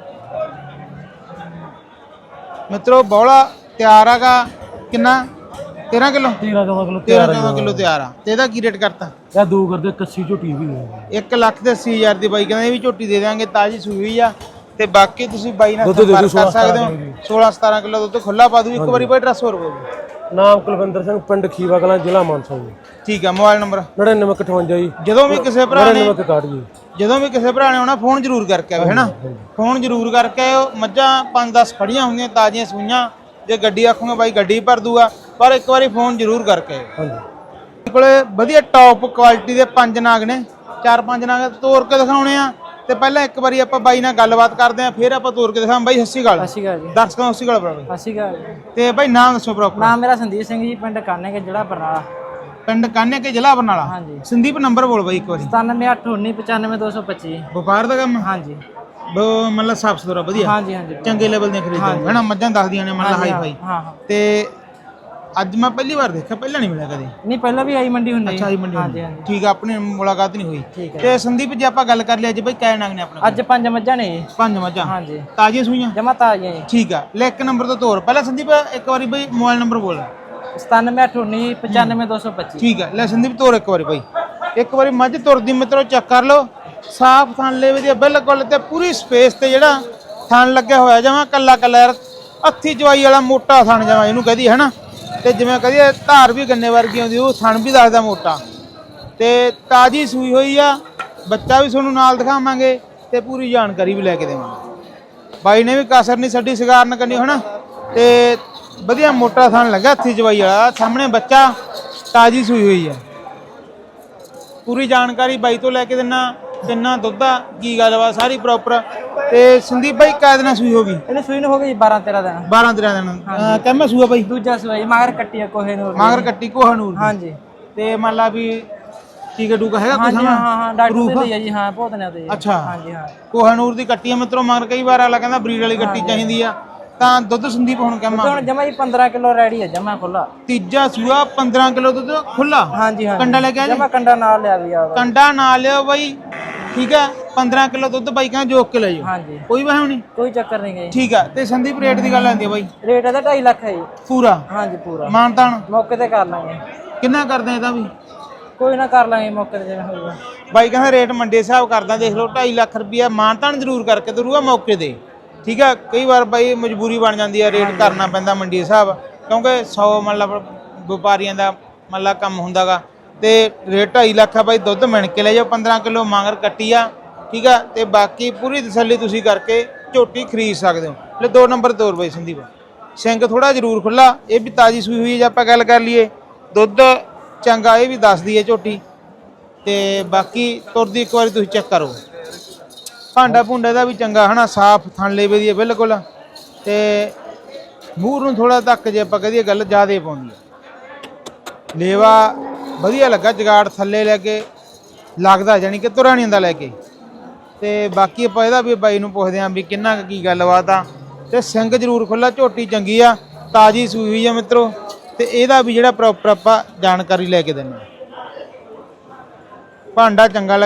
Speaker 2: ਮਿੱਤਰੋ ਬੌਲਾ ਤਿਆਰ ਆਗਾ ਕਿੰਨਾ ਤੇਰਾਂ ਕਿਲੋ
Speaker 3: ਤੇਰਾਂ ਚੌਦਾਂ ਕਿਲੋ
Speaker 2: ਤੇਰਾਂ ਚੌਦਾਂ ਕਿਲੋ ਤਿਆਰ ਆ। ਤੇ ਇਹਦਾ ਕੀ ਰੇਟ ਕਰਤਾ?
Speaker 3: ਇਹ ਦੋ ਕਰਦੇ ਕੱਸੀ ਝੋਟੀ ਵੀ ਹੈ।
Speaker 2: ਇੱਕ ਲੱਖ ਤੇ ਅੱਸੀ ਹਜ਼ਾਰ ਦੀ ਬਾਈ ਕਹਿੰਦਾ ਇਹ ਵੀ ਝੋਟੀ ਦੇ ਦਿਆਂਗੇ, ਤਾਜੀ ਸੂਈ ਹੋਈ ਆ। ਤੇ ਬਾਕੀ ਤੁਸੀਂ ਬਾਈ ਨਾਲ
Speaker 3: ਦੁੱਧ ਦੇ ਦਿਓ
Speaker 2: ਸੰਪਰਕ ਕਰ ਸਕਦੇ ਹੋ।
Speaker 3: ਜੀ।
Speaker 2: ਸੋਲਾਂ ਸਤਾਰਾਂ ਕਿਲੋ ਦੁੱਧ ਖੁੱਲਾ ਪਾ ਦੂ। ਇੱਕ ਵਾਰੀ ਬਾਈ ਐਡਰੈਸ ਹੋਰ ਬੋਲ।
Speaker 3: ਨਾਮ ਕੁਲਵਿੰਦਰ ਸਿੰਘ, ਪਿੰਡ ਖੀਵਾ ਕਲਾਂ, ਜ਼ਿਲ੍ਹਾ ਮਾਨਸਾ ਜੀ।
Speaker 2: ਠੀਕ ਆ, ਮੋਬਾਈਲ ਨੰਬਰ
Speaker 3: ਨੜਿਨਵੇਂ ਅਠਵੰਜਾ ਜੀ,
Speaker 2: ਜਦੋਂ ਵੀ ਕਿਸੇ ਭਰਾ ਨੇ
Speaker 3: ਨੜਿਨਵੇਂ ਇਕਾਹਠ ਜੀ।
Speaker 2: ਜਦੋਂ ਵੀ ਕਿਸੇ ਭਰਾ ਨੇ ਆਉਣਾ ਫੋਨ ਜ਼ਰੂਰ ਕਰਕੇ ਆਵੇ ਹੈਨਾ, ਫੋਨ ਜ਼ਰੂਰ ਕਰਕੇ ਆਇਓ। ਮੱਝਾਂ ਪੰਜ ਦਸ ਖੜੀਆਂ ਹੋਈਆਂ ਤਾਜ਼ੀਆਂ ਸੂਈਆਂ, ਜੇ ਗੱਡੀ ਆਖੂਗੇ ਬਾਈ ਗੱਡੀ ਭਰ ਦੂਗਾ, ਪਰ ਇੱਕ ਵਾਰੀ ਫੋਨ ਜ਼ਰੂਰ ਕਰਕੇ ਆਇਓ।
Speaker 3: ਹਾਂਜੀ
Speaker 2: ਮੇਰੇ ਕੋਲੇ ਵਧੀਆ ਟੌਪ ਕੁਆਲਿਟੀ ਦੇ ਪੰਜ ਨਾਗ ਨੇ, ਚਾਰ ਪੰਜ ਨਾਗ ਤੋੜ ਕੇ ਦਿਖਾਉਣੇ ਆ। ਤੇ ਪਹਿਲਾਂ ਇੱਕ ਵਾਰੀ ਆਪਾਂ ਬਾਈ ਨਾਲ ਗੱਲਬਾਤ ਕਰਦੇ ਆ, ਫਿਰ ਆਪਾਂ ਤੋੜ ਕੇ ਦਿਖਾਵਾਂ। ਬਾਈ ਸਤਿ ਸ਼੍ਰੀ ਅਕਾਲ।
Speaker 6: ਸਤਿ ਸ਼੍ਰੀ ਅਕਾਲ ਜੀ।
Speaker 2: ਦਰਸ਼ਕਾਂ ਨੂੰ ਸਤਿ ਸ਼੍ਰੀ ਅਕਾਲ ਬਰਾਬਰ।
Speaker 6: ਸਤਿ ਸ਼੍ਰੀ ਅਕਾਲ ਜੀ।
Speaker 2: ਤੇ ਬਾਈ ਨਾਮ ਦੱਸੋ ਪ੍ਰੋਪਰ।
Speaker 6: ਨਾਮ ਮੇਰਾ ਸੰਦੀਪ ਸਿੰਘ ਜੀ, ਪਿੰਡ ਕਾਨੇ ਕੇ ਜ਼ਿਲ੍ਹਾ ਬਰਨਾਲਾ।
Speaker 2: ਪਿੰਡ ਕਾਨੇ ਕੇ ਜ਼ਿਲ੍ਹਾ ਬਰਨਾਲਾ।
Speaker 6: ਹਾਂਜੀ।
Speaker 2: ਸੰਦੀਪ ਨੰਬਰ ਬੋਲ ਬਾਈ ਇੱਕ ਵਾਰੀ।
Speaker 6: ਸਤਾਨਵੇਂ ਅੱਠ ਉੱਨੀ ਪਚਾਨਵੇਂ ਦੋ ਸੌ ਪੱਚੀ।
Speaker 2: ਵਪਾਰ ਦਾ ਕੰਮ
Speaker 6: ਹਾਂਜੀ
Speaker 2: ਬ- ਮਤਲਬ ਸਾਫ ਸੁਥਰਾ ਵਧੀਆ,
Speaker 6: ਹਾਂਜੀ ਹਾਂਜੀ
Speaker 2: ਚੰਗੇ ਲੈਵਲ ਦੀਆਂ ਖਰੀਦਦੇ ਹੈਨਾ। ਮੱਝਾਂ ਦੱਸਦੀਆਂ ਨੇ ਮਤਲਬ ਹਾਈ ਫਾਈ।
Speaker 6: ਹਾਂ ਹਾਂ।
Speaker 2: ਤੇ ਅੱਜ ਮੈਂ ਪਹਿਲੀ ਵਾਰ ਦੇਖਿਆ, ਪਹਿਲਾਂ ਨਹੀਂ ਮਿਲਿਆ ਕਦੇ।
Speaker 6: ਨਹੀਂ ਪਹਿਲਾਂ ਵੀ ਆਈ ਮੰਡੀ ਹੁੰਦੀ।
Speaker 2: ਅੱਛਾ ਜੀ ਮੰਡੀ
Speaker 6: ਹਾਂਜੀ
Speaker 2: ਹੁੰਦੀ।
Speaker 6: ਹਾਂਜੀ।
Speaker 2: ਠੀਕ ਆ, ਆਪਣੀ ਮੁਲਾਕਾਤ ਨਹੀਂ ਹੋਈ।
Speaker 6: ਠੀਕ ਹੈ।
Speaker 2: ਤੇ ਸੰਦੀਪ ਜੀ ਆਪਾਂ ਗੱਲ ਕਰ ਲਈ ਅੱਜ ਬਈ ਕਾਇ ਨਗ ਨੇ ਆਪਣੇ
Speaker 6: ਅੱਜ ਪੰਜ ਮੱਝਾਂ ਨੇ ਜੀ।
Speaker 2: ਪੰਜ ਮੱਝਾਂ
Speaker 6: ਹਾਂਜੀ
Speaker 2: ਤਾਜ਼ੀਆਂ ਸੂਈਆਂ।
Speaker 6: ਜਮਾ ਤਾਜ਼ੀਆਂ ਜੀ।
Speaker 2: ਠੀਕ ਆ, ਲੈ ਇੱਕ ਨੰਬਰ ਤੋਂ ਤੋਰ। ਪਹਿਲਾਂ ਸੰਦੀਪ ਇੱਕ ਵਾਰੀ ਬਈ ਮੋਬਾਈਲ ਨੰਬਰ ਬੋਲ।
Speaker 6: ਸਤਾਨਵੇਂ ਅੱਠ ਉੱਨੀ ਪਚਾਨਵੇਂ ਦੋ ਸੌ ਪੱਚੀ।
Speaker 2: ਠੀਕ ਆ, ਲੈ ਸੰਦੀਪ ਤੋਰ ਇੱਕ ਵਾਰੀ ਬਈ। ਇੱਕ ਵਾਰੀ ਮੱਝ ਤੁਰਦੀ ਮਿੱਤਰੋ ਚੈੱਕ ਕਰ ਲਓ। ਸਾਫ ਥਣ ਲੇਵੇ ਦੀ ਬਿਲਕੁਲ, ਤੇ ਪੂਰੀ ਸਪੇਸ ਤੇ ਜਿਹੜਾ ਥਣ ਲੱਗਿਆ ਹੋਇਆ ਜਮਾ ਕੱਲਾ ਕੱਲਾ ਯਾਰ ਹੱਥੀ ਜਵਾਈ ਵਾਲਾ ਮੋਟਾ ਥਣ ਜਮਾ ਇਹਨੂੰ ਕਹਦੀ ਹੈ ਨਾ। ਤੇ ਜਿਵੇਂ ਕਹਦੀ ਧਾਰ ਵੀ ਗੰਨੇ ਵਰਗੀ ਆਉਂਦੀ, ਉਹ ਥਣ ਵੀ ਦੱਸਦਾ ਮੋਟਾ। ਤੇ ਤਾਜ਼ੀ ਸੂਈ ਹੋਈ ਆ, ਬੱਚਾ ਵੀ ਤੁਹਾਨੂੰ ਨਾਲ ਦਿਖਾਵਾਂਗੇ ਤੇ ਪੂਰੀ ਜਾਣਕਾਰੀ ਵੀ ਲੈ ਕੇ ਦੇਵਾਂਗੇ। ਬਾਈ ਨੇ ਵੀ ਕਸਰ ਨਹੀਂ ਛੱਡੀ ਸ਼ਿਕਾਰਨ ਕਰਨੀ ਹਨਾ। ਤੇ ਵਧੀਆ ਮੋਟਾ ਥਣ ਲੱਗਾ ਹੱਥੀ ਜਵਾਈ ਵਾਲਾ, ਸਾਹਮਣੇ ਬੱਚਾ, ਤਾਜ਼ੀ ਸੂਈ ਹੋਈ ਆ। ਪੂਰੀ ਜਾਣਕਾਰੀ ਬਾਈ ਤੋਂ ਲੈ ਕੇ ਦਿੰਨਾ, ਕਿੰਨਾ ਦੁੱਧ ਆ, ਕੀ ਗੱਲਬਾਤ ਸਾਰੀ ਪ੍ਰੋਪਰ। ਤੇ ਸੰਦੀਪ ਬਾਈ ਕਾਇਦ ਨਾਲ ਸੂਈ ਹੋ ਗਈ?
Speaker 6: ਇਹਨੇ ਸੂਈ ਨੂੰ ਹੋ ਗਈ ਬਾਰਾਂ ਤੇਰਾਂ ਦਿਨ।
Speaker 2: ਬਾਰਾਂ ਤੇਰਾਂ ਦਿਨ ਕਹਿੰਦਾ ਸੂਆ ਬਾਈ।
Speaker 6: ਦੂਜਾ ਸੂਈ ਮਗਰ ਕੱਟੀ ਆ ਕੋਹੇ ਨੂਰ ਦੀ।
Speaker 2: ਮਗਰ ਕੱਟੀ ਕੋਹਨੂਰ।
Speaker 6: ਹਾਂਜੀ।
Speaker 2: ਤੇ ਮੰਨ ਲਾ ਵੀ ਟੀਕਾ ਟੂਕਾ ਹੈਗਾ ਕੁਛ?
Speaker 6: ਹਾਂਜੀ ਹਾਂ ਹਾਂ ਡਾਕਟਰ ਦੇ ਜੀ। ਹਾਂ ਬਹੁਤ ਨੇ ਉਹਦੇ।
Speaker 2: ਅੱਛਾ
Speaker 6: ਹਾਂਜੀ ਹਾਂ।
Speaker 2: ਕੋਹਨੂਰ ਦੀ ਕੱਟੀ ਆ ਮਿੱਤਰੋ। ਮਗਰ ਕਈ ਵਾਰ ਆਲਾ ਕਹਿੰਦਾ ਬਰੀਡ ਵਾਲੀ ਕੱਟੀ ਚਾਹੀਦੀ ਆ, ਤਾਂ ਦੁੱਧ ਸੰਦੀਪ ਹੁਣ ਕਹਿੰਦਾ
Speaker 6: ਹੁਣ ਜਮਾ ਹੀ ਪੰਦਰਾਂ ਕਿਲੋ ਰੈਡੀ ਹੈ, ਜਮਾ ਖੁੱਲਾ।
Speaker 2: ਤੀਜਾ ਸੂਆ ਪੰਦਰਾਂ ਕਿਲੋ ਦੁੱਧ ਖੁੱਲਾ।
Speaker 6: ਹਾਂਜੀ ਹਾਂ।
Speaker 2: ਕੰਡਾ ਲੈ ਕੇ ਆ ਜੀ।
Speaker 6: ਜਮਾ ਕੰਡਾ ਨਾਲ ਲਿਆ ਵੀ ਆ।
Speaker 2: ਕੰਡਾ ਨਾ ਲਿਓ ਬਾਈ, ਠੀਕ ਆ। ਪੰਦਰਾਂ ਕਿਲੋ ਦੁੱਧ ਬਾਈ ਕਹਿੰਦਾ ਜੋਕ ਕੇ ਲੈ ਜਾਓ,
Speaker 6: ਹਾਂਜੀ
Speaker 2: ਕੋਈ ਵਹਿਮ ਨਹੀਂ।
Speaker 6: ਕੋਈ ਚੱਕਰ ਨਹੀਂ ਗਈ।
Speaker 2: ਠੀਕ ਆ। ਤੇ ਸੰਦੀਪ ਰੇਟ ਦੀ ਗੱਲ ਆਂਦੀ ਆ ਬਾਈ?
Speaker 6: ਰੇਟ ਇਹਦਾ ਢਾਈ ਲੱਖ ਹੈ ਜੀ
Speaker 2: ਪੂਰਾ
Speaker 6: ਹਾਂਜੀ ਪੂਰਾ।
Speaker 2: ਮਾਨਤਾਨ
Speaker 6: ਮੌਕੇ ਤੇ ਕਰ ਲਾਂਗੇ।
Speaker 2: ਕਿੰਨਾ ਕਰਦੇ ਇਹਦਾ ਵੀ?
Speaker 6: ਕੋਈ ਨਾ ਕਰ ਲਾਂਗੇ ਮੌਕੇ ਤੇ ਜਿਵੇਂ ਹੋਊਗਾ।
Speaker 2: ਬਾਈ ਕਹਿੰਦਾ ਰੇਟ ਮੰਡੀ ਹਿਸਾਬ ਕਰਦਾ, ਦੇਖ ਲਓ ਢਾਈ ਲੱਖ ਰੁਪਇਆ ਮਾਨਤਾਨ ਜ਼ਰੂਰ ਕਰਕੇ ਦਰੂਗਾ ਮੌਕੇ ਤੇ। ਠੀਕ ਆ, ਕਈ ਵਾਰ ਬਾਈ ਮਜਬੂਰੀ ਬਣ ਜਾਂਦੀ ਆ, ਰੇਟ ਕਰਨਾ ਪੈਂਦਾ ਮੰਡੀ ਹਿਸਾਬ, ਕਿਉਂਕਿ ਸੌ ਮਤਲਬ ਵਪਾਰੀਆਂ ਦਾ ਮਤਲਬ ਕੰਮ ਹੁੰਦਾਗਾ। ਤੇ ਰੇਟ ਢਾਈ ਲੱਖ ਆ ਬਾਈ, ਦੁੱਧ ਮਿਣ ਕੇ ਲੈ ਜਾਓ। ਪੰਦਰਾਂ ਕਿਲੋ ਮਾਂਗਰ ਕੱਟੀ ਆ, ਠੀਕ ਆ। ਤੇ ਬਾਕੀ ਪੂਰੀ ਤਸੱਲੀ ਤੁਸੀਂ ਕਰਕੇ ਝੋਟੀ ਖਰੀਦ ਸਕਦੇ ਹੋ। ਲੈ ਦੋ ਨੰਬਰ ਤੋਰ ਬਾਈ ਸੰਦੀਪ। ਸਿੰਘ ਥੋੜਾ ਜ਼ਰੂਰ ਖੁੱਲਾ, ਇਹ ਵੀ ਤਾਜ਼ੀ ਸੂਈ ਹੋਈ ਹੈ। ਜੇ ਆਪਾਂ ਗੱਲ ਕਰ ਲਈਏ ਦੁੱਧ ਚੰਗਾ, ਇਹ ਵੀ ਦੱਸਦੀ ਹੈ ਝੋਟੀ। ਤੇ ਬਾਕੀ ਤੁਰਦੀ ਇੱਕ ਵਾਰੀ ਤੁਸੀਂ ਚੈੱਕ ਕਰੋ। ਭਾਂਡਾ ਭੁੰਡਾ ਦਾ ਵੀ ਚੰਗਾ ਹਨਾ, ਸਾਫ ਥਣ ਲੇਵੇ ਦੀ ਹੈ ਬਿਲਕੁਲ। ਤੇ ਮੂੰਹ ਨੂੰ ਥੋੜਾ ਤੱਕ ਜੇ ਆਪਾਂ ਕਹਦੀਏ ਗੱਲ ਜ਼ਿਆਦੇ ਪਾਉਂਦੀ ਹੈ। ਲੇਵਾ ਵਧੀਆ ਲੱਗਾ, ਜਗਾੜ ਥੱਲੇ ਲੈ ਕੇ ਲੱਗਦਾ, ਜਾਨੀ ਕਿ ਤੁਰਿਆ ਨਹੀਂ ਹੁੰਦਾ ਲੈ ਕੇ। ਤੇ ਬਾਕੀ ਆਪਾਂ ਇਹਦਾ ਵੀ ਬਾਈ ਨੂੰ ਪੁੱਛਦੇ ਆਂ ਵੀ ਕਿੰਨਾ ਕੀ ਗੱਲਬਾਤ ਆ। ਤੇ ਸਿੰਘ ਜ਼ਰੂਰ ਖੁੱਲਾ, ਝੋਟੀ ਚੰਗੀ ਆ, ਤਾਜ਼ੀ ਸੂਈ ਹੋਈ ਆ ਮਿੱਤਰੋ। ਤੇ ਇਹਦਾ ਵੀ ਜਿਹੜਾ ਪ੍ਰੋਪਰ ਆਪਾਂ ਜਾਣਕਾਰੀ ਲੈ ਕੇ ਦਿੰਦੇ। ਭਾਂਡਾ ਚੰਗਾ ਲੱਗਿਆ,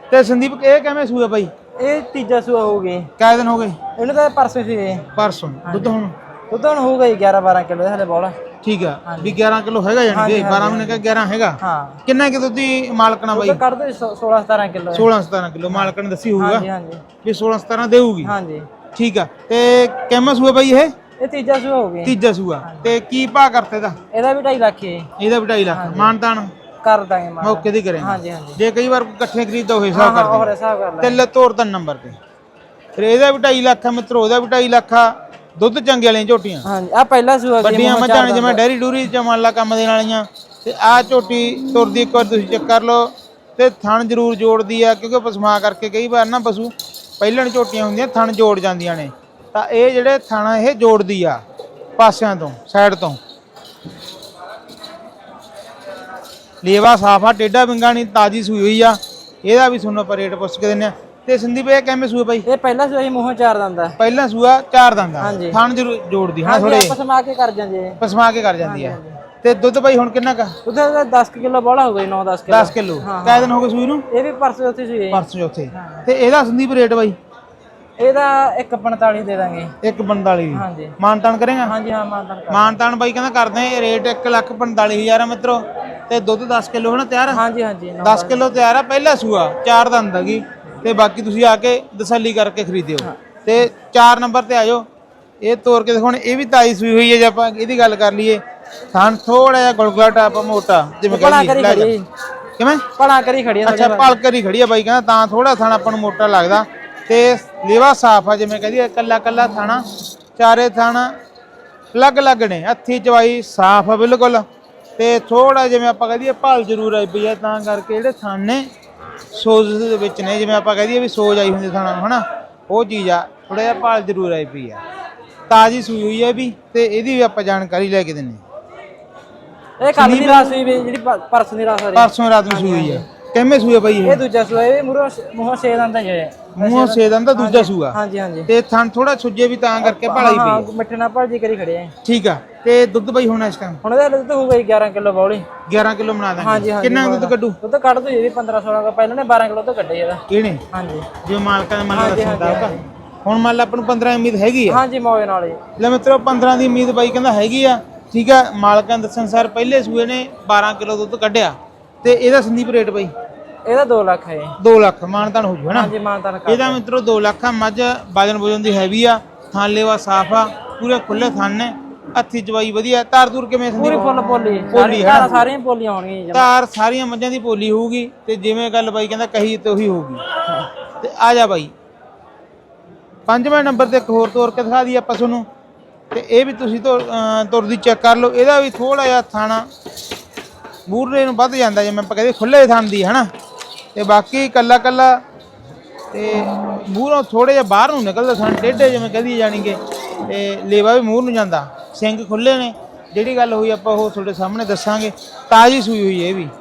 Speaker 2: ਤੇ ਸੰਦੀਪ ਇਹ ਕਿਵੇਂ ਸੂਆ ਬਾਈ?
Speaker 6: ਇਹ ਤੀਜਾ ਸੂਆ ਹੋ ਗਈ।
Speaker 2: ਕਿੰਨੇ ਦਿਨ ਹੋ ਗਏ?
Speaker 6: ਇਹਨੂੰ ਤਾਂ ਪਰਸੋਂ ਸੀ।
Speaker 2: ਪਰਸੋਂ। ਦੁੱਧ ਹੁਣ
Speaker 6: ਦੁੱਧ ਹੁਣ ਹੋਊਗਾ ਜੀ ਗਿਆਰਾਂ ਬਾਰਾਂ ਕਿਲੋ ਹਲੇ ਬੋਲਾ।
Speaker 2: ਠੀਕ ਆ ਵੀ ਗਿਆਰਾਂ ਕਿਲੋ ਹੈਗਾ ਜਾਨੀ ਕਿ ਬਾਰਾਂ ਮਹੀਨੇ ਦਾ ਗਿਆਰਾਂ ਹੈਗਾ।
Speaker 6: ਹਾਂ।
Speaker 2: ਕਿੰਨਾ ਕਿ ਦੁੱਧ ਦੀ ਮਾਲਕਣਾ ਬਾਈ?
Speaker 6: ਕੱਢ ਦੋ ਸੋਲਾਂ ਸਤਾਰਾਂ ਕਿਲੋ।
Speaker 2: ਸੋਲਾਂ ਸਤਾਰਾਂ ਕਿਲੋ ਮਾਲਕਣ ਨੇ ਦੱਸੀ ਹੋਊਗਾ।
Speaker 6: ਹਾਂਜੀ ਹਾਂਜੀ
Speaker 2: ਵੀ ਸੋਲਾਂ ਸਤਾਰਾਂ ਦੇਊਗੀ।
Speaker 6: ਹਾਂਜੀ।
Speaker 2: ਠੀਕ ਆ ਤੇ ਕਿੰਨਾ ਸੂਆ ਬਾਈ ਇਹ?
Speaker 6: ਇਹ ਤੀਜਾ ਸੂਆ ਹੋ ਗਿਆ।
Speaker 2: ਤੀਜਾ ਸੂਆ। ਤੇ ਕੀ ਭਾਅ ਕਰਤੇ ਦਾ?
Speaker 6: ਇਹਦਾ ਵੀ ਢਾਈ ਲੱਖ ਹੈ।
Speaker 2: ਇਹਦਾ ਵੀ ਢਾਈ ਲੱਖ ਮਾਨਤਾਨ
Speaker 6: ਕਰ ਦਾਂਗੇ ਮਾਨ।
Speaker 2: ਮੌਕੇ ਦੀ ਕਰੇ।
Speaker 6: ਹਾਂਜੀ ਹਾਂਜੀ।
Speaker 2: ਜੇ ਕਈ ਵਾਰ ਇਕੱਠੇ ਖਰੀਦਦਾ ਹੋਏ ਹਿਸਾਬ
Speaker 6: ਹਾਂ
Speaker 2: ਕਰਦੇ
Speaker 6: ਹੋਰ ਹਿਸਾਬ ਕਰ ਲੈ।
Speaker 2: ਤੇ ਲੈ ਤੋਰ ਦਾ ਨੰਬਰ ਤੇ ਫਿਰ ਇਹਦਾ ਵੀ ਢਾਈ ਲੱਖ ਆ ਮਿੱਤਰੋ, ਉਹਦਾ ਵੀ ਢਾਈ ਲੱਖ ਆ। ਦੁੱਧ ਚੰਗੇ ਵਾਲੀਆਂ ਝੋਟੀਆਂ
Speaker 6: ਹਾਂਜੀ ਆ ਪਹਿਲਾ ਸੂਆ ਗਿਆ।
Speaker 2: ਵੱਡੀਆਂ ਮੱਝਾਂ ਨੇ ਜਿਵੇਂ ਡੈਰੀ ਡੂਰੀ ਚ ਮੰਨ ਲਾ ਕੰਮ ਦੇਣ ਵਾਲੀਆਂ। ਤੇ ਆਹ ਝੋਟੀ ਤੁਰਦੀ ਇੱਕ ਵਾਰ ਤੁਸੀਂ ਚੈੱਕ ਕਰ ਲਓ ਤੇ ਥਣ ਜ਼ਰੂਰ ਜੋੜਦੀ ਆ ਕਿਉਂਕਿ ਪਸਮਾ ਕਰਕੇ ਕਈ ਵਾਰ ਨਾ ਪਸ਼ੂ ਪਹਿਲਣ ਝੋਟੀਆਂ ਹੁੰਦੀਆਂ ਥਣ ਜੋੜ ਜਾਂਦੀਆਂ ਨੇ, ਤਾਂ ਇਹ ਜਿਹੜੇ ਥਣ ਇਹ ਜੋੜਦੀ ਆ ਪਾਸਿਆਂ ਤੋਂ ਸਾਈਡ ਤੋਂ। ਲੇਵਾ ਸਾਫ ਆ, ਟੇਢਾ ਵਿੰਗਾ ਨਹੀਂ, ਤਾਜੀ ਸੂਈ ਹੋਈ ਆ। ਇਹਦਾ ਵੀ ਤੁਹਾਨੂੰ ਆਪਾਂ ਰੇਟ ਪੁੱਛ ਕੇ ਦਿੰਨੇ ਆ। ਤੇ ਸੰਦੀਪ ਇਹ ਕਿਵੇਂ ਸੂਆ ਬਾਈ?
Speaker 6: ਇਹ ਪਹਿਲਾ ਸੂਆ ਹੀ ਮੂੰਹੋਂ ਚਾਰ ਦੰਦਾ।
Speaker 2: ਪਹਿਲਾ ਸੂਆ ਚਾਰ ਦੰਦਾ।
Speaker 6: ਹਾਂਜੀ।
Speaker 2: ਥਣ ਜ਼ਰੂਰ ਜੋੜਦੀ ਹਾਂ
Speaker 6: ਹਾਂਜੀ
Speaker 2: ਥੋੜੇ
Speaker 6: ਆਪਸ ਮਾ ਕੇ ਕਰ ਜਾਂਦੇ।
Speaker 2: ਪਸਮਾ ਕੇ ਕਰ ਜਾਂਦੀ ਆ। ਤੇ ਦੁੱਧ ਬਾਈ ਹੁਣ ਕਿੰਨਾ ਕਾ?
Speaker 6: ਉਹਦਾ ਦਸ ਕਿਲੋ ਬੋਲਾ ਹੋ ਗਈ। ਨੌ ਦਸ ਕਿਲੋ।
Speaker 2: ਦਸ ਕਿਲੋ। ਕਿੰਨੇ ਦਿਨ ਹੋ ਗਏ ਸੂਈ ਨੂੰ?
Speaker 6: ਇਹ ਵੀ ਪਰਸੋਂ ਉੱਥੇ ਸੂਈ।
Speaker 2: ਪਰਸੋਂ ਚੌਥੇ। ਤੇ ਇਹਦਾ ਸੰਦੀਪ ਰੇਟ ਬਾਈ?
Speaker 6: ਇਹਦਾ ਇੱਕ ਪੰਤਾਲੀ ਦੇ ਦਾਂਗੇ।
Speaker 2: ਇੱਕ ਪੰਤਾਲੀ।
Speaker 6: ਹਾਂਜੀ।
Speaker 2: ਮਾਨਤਾਨ ਕਰੇਗਾ?
Speaker 6: ਹਾਂਜੀ ਹਾਂ ਮਾਨਤਾਨ ਕਰ।
Speaker 2: ਮਾਨਤਾਨ ਬਾਈ ਕਹਿੰਦਾ ਕਰਦੇ ਆ ਰੇਟ ਇੱਕ ਲੱਖ ਪੰਤਾਲੀ ਹਜ਼ਾਰ ਆ ਮਿੱਤਰੋ। ਤੇ ਦੁੱਧ ਦਸ ਕਿਲੋ ਹੋਣਾ ਤਿਆਰ?
Speaker 6: ਹਾਂਜੀ ਹਾਂਜੀ
Speaker 2: ਦਸ ਕਿਲੋ ਤਿਆਰ ਆ। ਪਹਿਲਾ ਸੂਆ ਚਾਰ ਦੰਦ ਹੈਗੀ ਤੇ ਬਾਕੀ ਤੁਸੀਂ ਆ ਕੇ ਤਸੱਲੀ ਕਰਕੇ ਖਰੀਦਿਓ। ਤੇ ਚਾਰ ਨੰਬਰ ਤੇ ਆਜੋ। ਇਹ ਤੋਰ ਕੇ ਦੇਖੋ। ਇਹ ਵੀ ਤਾਈ ਸੂਈ ਹੋਈ ਹੈ। ਜੇ ਆਪਾਂ ਇਹਦੀ ਗੱਲ ਕਰ ਲਈਏ ਥਣ ਥੋੜਾ ਜਿਹਾ ਗੁਲਗੁਲਾ ਟਾਪ ਮੋਟਾ ਜਿਵੇਂ ਕਹਿੰਦੀ ਕਿਵੇਂ
Speaker 6: ਪੜਾ ਕਰੀ ਖੜੀ ਆ।
Speaker 2: ਅੱਛਾ ਪਲ ਕਰੀ ਖੜੀ ਆ ਬਾਈ ਕਹਿੰਦਾ ਤਾਂ ਥੋੜਾ ਥਣ ਆਪਾਂ ਨੂੰ ਮੋਟਾ ਲੱਗਦਾ। ਤੇ ਲੇਵਾ ਸਾਫ ਆ ਜਿਵੇਂ ਕਹਿੰਦੀ ਕੱਲਾ ਕੱਲਾ ਥਾਣਾ। ਚਾਰੇ ਥਣ ਅਲੱਗ ਅਲੱਗ ਨੇ। ਹੱਥੀ ਚਵਾਈ ਸਾਫ ਆ ਬਿਲਕੁਲ। ਤੇ ਥੋੜਾ ਜਿਵੇਂ ਆਪਾਂ ਕਹਦੀਏ ਭਲ ਜ਼ਰੂਰ ਆਈ ਪਈ ਆ ਤਾਂ ਕਰਕੇ ਜਿਹੜੇ ਥਣ ਨੇ ਸੋਜ ਦੇ ਵਿੱਚ ਨੇ। ਜਿਵੇਂ ਆਪਾਂ ਕਹਦੀਏ ਵੀ ਸੋਜ ਆਈ ਹੁੰਦੀ ਥਾਣਾ ਨੂੰ ਹਨਾ, ਉਹ ਚੀਜ਼ ਆ। ਥੋੜਾ ਜਿਹਾ ਭਲ ਜ਼ਰੂਰ ਆਈ ਪਈ ਆ। ਤਾਜ਼ੀ ਸੂਈ ਹੋਈ ਹੈ ਵੀ ਤੇ ਇਹਦੀ ਵੀ ਆਪਾਂ ਜਾਣਕਾਰੀ ਲੈ ਕੇ ਦਿੰਨੇ।
Speaker 6: ਇਹ ਕੱਲ ਦੀ ਰਾਤ ਸੂਈ ਵੀ ਜਿਹੜੀ ਪਰਸੋਂ ਦੀ ਰਾਤ ਸਾਰੀ।
Speaker 2: ਪਰਸੋਂ ਰਾਤ ਨੂੰ ਸੂਈ ਹੋਈ ਆ। ਕਿੰਨੇ ਸੂਏ ਬਾਈ ਇਹ?
Speaker 6: ਇਹ ਦੂਜਾ ਸੂਆ। ਇਹ ਮੂੰਹੋਂ ਮੂੰਹੋਂ ਛੇ ਦੰਦ ਹੈ।
Speaker 2: ਮੂੰਹੋਂ ਛੇ ਦੰਦ ਦਾ ਦੂਜਾ ਸੂਆ।
Speaker 6: ਹਾਂਜੀ ਹਾਂਜੀ।
Speaker 2: ਤੇ ਥਣ ਥੋੜਾ ਸੁੱਜੇ ਵੀ ਤਾਂ ਕਰਕੇ ਭਾਲਾਈ ਪਈ ਆ।
Speaker 6: ਮਿੱਠੇ ਨਾਲ ਭਾਜੀ ਕਰੀ ਖੜੇ ਆ।
Speaker 2: ਠੀਕ ਆ। ਤੇ ਦੁੱਧ ਬਾਈ ਹੁਣ ਇਸ ਟਾਈਮ?
Speaker 6: ਹੁਣ ਇਹਦਾ ਦੁੱਧ ਹੋਊਗਾ ਗਿਆਰਾਂ ਕਿਲੋ ਬੌਲੀ।
Speaker 2: ਗਿਆਰਾਂ ਕਿਲੋ ਬਣਾ ਦਾਂਗੇ।
Speaker 6: ਹਾਂਜੀ ਹਾਂਜੀ।
Speaker 2: ਕਿੰਨਾ ਦੁੱਧ ਕੱਢੂ?
Speaker 6: ਦੁੱਧ ਕੱਢ ਦੋ ਜੀ ਪੰਦਰਾਂ ਸੋਲਾਂ ਦਾ। ਪਹਿਲਾਂ ਨੇ ਬਾਰਾਂ ਕਿਲੋ ਤੋਂ ਕੱਢੇ ਇਹਦਾ।
Speaker 2: ਕਿਹਨੇ?
Speaker 6: ਹਾਂਜੀ।
Speaker 2: ਜੋ ਮਾਲਕਾਂ ਨੇ ਮੰਨ ਲਾ ਦੱਸਦਾ ਹੁਣ ਮੰਨ ਲਾ ਆਪਾਂ ਨੂੰ ਪੰਦਰਾਂ ਦੀ ਉਮੀਦ ਹੈਗੀ ਆ।
Speaker 6: ਹਾਂਜੀ ਮੌਜ ਨਾਲ ਹੀ।
Speaker 2: ਲੈ ਮਿੱਤਰੋ ਪੰਦਰਾਂ ਦੀ ਉਮੀਦ ਬਾਈ ਕਹਿੰਦਾ ਹੈਗੀ ਆ। ਠੀਕ ਆ। ਮਾਲਕਾਂ ਦੱਸਣ ਸਾਰ ਪਹਿਲੇ ਸੂਏ ਨੇ ਬਾਰਾਂ ਕਿਲੋ ਦੁੱਧ ਕੱਢਿਆ। ਤੇ ਇਹਦਾ ਸੰਦੀਪ ਰੇਟ ਬਾਈ?
Speaker 6: ਇਹਦਾ ਦੋ ਲੱਖ ਹੈ।
Speaker 2: ਦੋ ਲੱਖ ਮਾਨਤਾਨ ਹੋ ਜੂ ਹਨਾ?
Speaker 6: ਹਾਂਜੀ ਮਾਨਤਾਨ ਕਰ।
Speaker 2: ਇਹਦਾ ਮਿੱਤਰੋ ਦੋ ਲੱਖ ਆ। ਮੱਝ ਵਜਨ ਵਜਨ ਦੀ ਹੈਵੀ ਆ। ਥਾਂ ਲੇਵਾ ਸਾਫ ਆ। ਪੂਰੇ ਖੁੱਲੇ ਥਣ ਨੇ। ਹੱਥੀ ਚਵਾਈ ਵਧੀਆ। ਤਾਰ ਤੂਰ ਕਿਵੇਂ ਸੰਦੀਪ?
Speaker 6: ਪੂਰੀ ਫੁੱਲ ਪੋਲੀ।
Speaker 2: ਪੋਲੀ ਹੈ
Speaker 6: ਸਾਰੀਆਂ ਸਾਰੀਆਂ ਪੋਲੀਆਂ ਹੋਣਗੀਆਂ।
Speaker 2: ਤਾਰ ਸਾਰੀਆਂ ਮੱਝਾਂ ਦੀ ਪੋਲੀ ਹੋਊਗੀ। ਤੇ ਜਿਵੇਂ ਗੱਲ ਬਾਈ ਕਹਿੰਦਾ ਕਹੀ ਤੇ ਉਹੀ ਹੋਊਗੀ। ਤੇ ਆ ਜਾ ਬਾਈ ਪੰਜਵੇਂ ਨੰਬਰ ਤੇ ਇੱਕ ਹੋਰ ਤੋਰ ਕੇ ਦਿਖਾ ਦਈਏ ਆਪਾਂ ਤੁਹਾਨੂੰ। ਤੇ ਇਹ ਵੀ ਤੁਸੀਂ ਤੁਰਦੀ ਚੈੱਕ ਕਰ ਲਓ। ਇਹਦਾ ਵੀ ਥੋੜਾ ਜਿਹਾ ਥਾਣਾ ਮੂਹਰੇ ਨੂੰ ਵੱਧ ਜਾਂਦਾ ਜਿਵੇਂ ਆਪਾਂ ਕਹਿੰਦੇ ਖੁੱਲੇ ਥਣ ਦੀ ਹਨਾ। ਤੇ ਬਾਕੀ ਕੱਲਾ ਕੱਲਾ ਤੇ ਮੂਹਰੋਂ ਥੋੜੇ ਜਿਹਾ ਬਾਹਰ ਨੂੰ ਨਿਕਲਦਾ ਥਣ ਟੇਢੇ ਜਿਵੇਂ ਕਹਦੀ ਜਾਣੀਗੇ। ਤੇ ਲੇਵਾ ਵੀ ਮੂਹਰ ਨੂੰ ਜਾਂਦਾ। ਸਿੰਘ ਖੁੱਲੇ ਨੇ। ਜਿਹੜੀ ਗੱਲ ਹੋਈ ਆਪਾਂ ਉਹ ਤੁਹਾਡੇ ਸਾਹਮਣੇ ਦੱਸਾਂਗੇ। ਤਾਜ਼ੀ ਸੂਈ ਹੋਈ ਹੈ ਇਹ ਵੀ।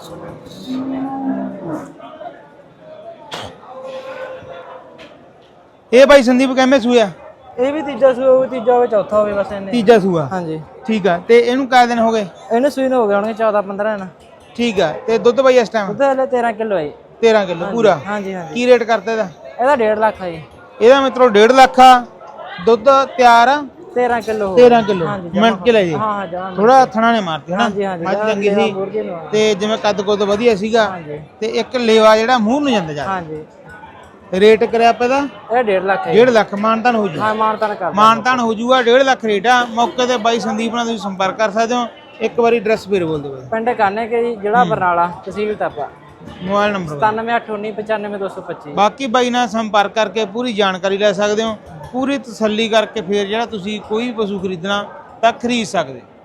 Speaker 2: ਇਹ ਬਾਈ ਸੰਦੀਪ ਕਿਵੇਂ ਸੂਆ?
Speaker 6: ਇਹ ਵੀ ਤੀਜਾ ਸੂਆ ਹੋਵੇ। ਤੀਜਾ ਹੋਵੇ ਚੌਥਾ ਹੋਵੇ ਬਸ ਇਹਨੇ।
Speaker 2: ਤੀਜਾ ਸੂਆ।
Speaker 6: ਹਾਂਜੀ
Speaker 2: ਠੀਕ ਆ। ਤੇ ਇਹਨੂੰ ਕਿੰਨੇ ਦਿਨ ਹੋ ਗਏ?
Speaker 6: ਇਹਨੂੰ ਸੂਈ ਨੂੰ ਹੋ ਗਏ ਹੋਣਗੇ ਚੌਦਾਂ ਪੰਦਰਾਂ ਦਿਨ।
Speaker 2: ਠੀਕ ਆ। ਤੇ ਦੁੱਧ ਬਾਈ ਇਸ ਟਾਈਮ?
Speaker 6: ਦੁੱਧ ਹਲੇ ਤੇਰਾਂ ਕਿਲੋ ਹੈ।
Speaker 2: ਤੇਰਾਂ ਕਿਲੋ ਪੂਰਾ?
Speaker 6: ਹਾਂਜੀ ਹਾਂਜੀ।
Speaker 2: ਕੀ ਰੇਟ ਕਰਤਾ ਇਹਦਾ?
Speaker 6: ਇਹਦਾ ਡੇਢ ਲੱਖ ਹੈ।
Speaker 2: ਇਹਦਾ ਮਿੱਤਰੋ ਡੇਢ ਲੱਖ ਆ। ਦੁੱਧ ਤਿਆਰ ਆ
Speaker 6: ਤੇਰਾਂ ਕਿਲੋ।
Speaker 2: ਤੇਰਾਂ ਕਿਲੋ ਮਿੰਟ ਕੇ ਲੈ ਜੀ।
Speaker 6: ਹਾਂ ਹਾਂ।
Speaker 2: ਥੋੜਾ ਥਣਾ ਨੇ ਮਾਰਤੀ ਹਨਾ।
Speaker 6: ਹਾਂਜੀ ਹਾਂਜੀ।
Speaker 2: ਮੱਝ ਚੰਗੀ ਸੀ ਤੇ ਜਿਵੇਂ ਕੱਦ ਕੁੱਦ ਵਧੀਆ ਸੀਗਾ। ਤੇ ਇੱਕ ਲੇਵਾ ਜਿਹੜਾ ਮੂੰਹ ਨੂੰ ਜਾਂਦਾ ਜਾ।
Speaker 6: ਹਾਂਜੀ।
Speaker 2: ਰੇਟ ਕਰਿਆ ਆਪਾਂ ਇਹਦਾ?
Speaker 6: ਇਹ ਡੇਢ ਲੱਖ ਹੈ।
Speaker 2: ਡੇਢ ਲੱਖ ਮਾਨਤਾਨ ਹੋ ਜੂ?
Speaker 6: ਹਾਂ ਮਾਨਤਾਨ ਕਰ।
Speaker 2: ਮਾਨਤਾਨ ਹੋ ਜੂਗਾ। ਡੇਢ ਲੱਖ ਰੇਟ ਆ। ਮੌਕੇ ਤੇ ਬਾਈ ਸੰਦੀਪ ਨਾਲ ਤੁਸੀਂ ਸੰਪਰਕ ਕਰ ਸਕਦੇ ਹੋ। ਇੱਕ ਵਾਰੀ ਐਡਰੈਸ ਫੇਰ ਬੋਲ ਦਿਓ ਬਾਈ।
Speaker 6: ਪਿੰਡ ਕਾਨੇ ਕੇ ਜੀ, ਜ਼ਿਲ੍ਹਾ ਬਰਨਾਲਾ, ਤਹਿਸੀਲ ਤਾਪਾ।
Speaker 2: ਮੋਬਾਈਲ ਨੰਬਰ
Speaker 6: ਸਤਾਨਵੇਂ ਅੱਠ ਉੱਨੀ ਪਚਾਨਵੇਂ ਦੋ ਸੌ ਪੱਚੀ।
Speaker 2: ਬਾਕੀ ਬਾਈ ਨਾਲ ਸੰਪਰਕ ਕਰਕੇ ਪੂਰੀ ਜਾਣਕਾਰੀ ਲੈ ਸਕਦੇ ਹੋ। ਪੂਰੀ ਤਸੱਲੀ ਕਰਕੇ ਫੇਰ ਜਿਹੜਾ ਤੁਸੀਂ ਕੋਈ ਵੀ ਪਸ਼ੂ ਖਰੀਦਣਾ ਤਾਂ ਖਰੀਦ ਸਕਦੇ।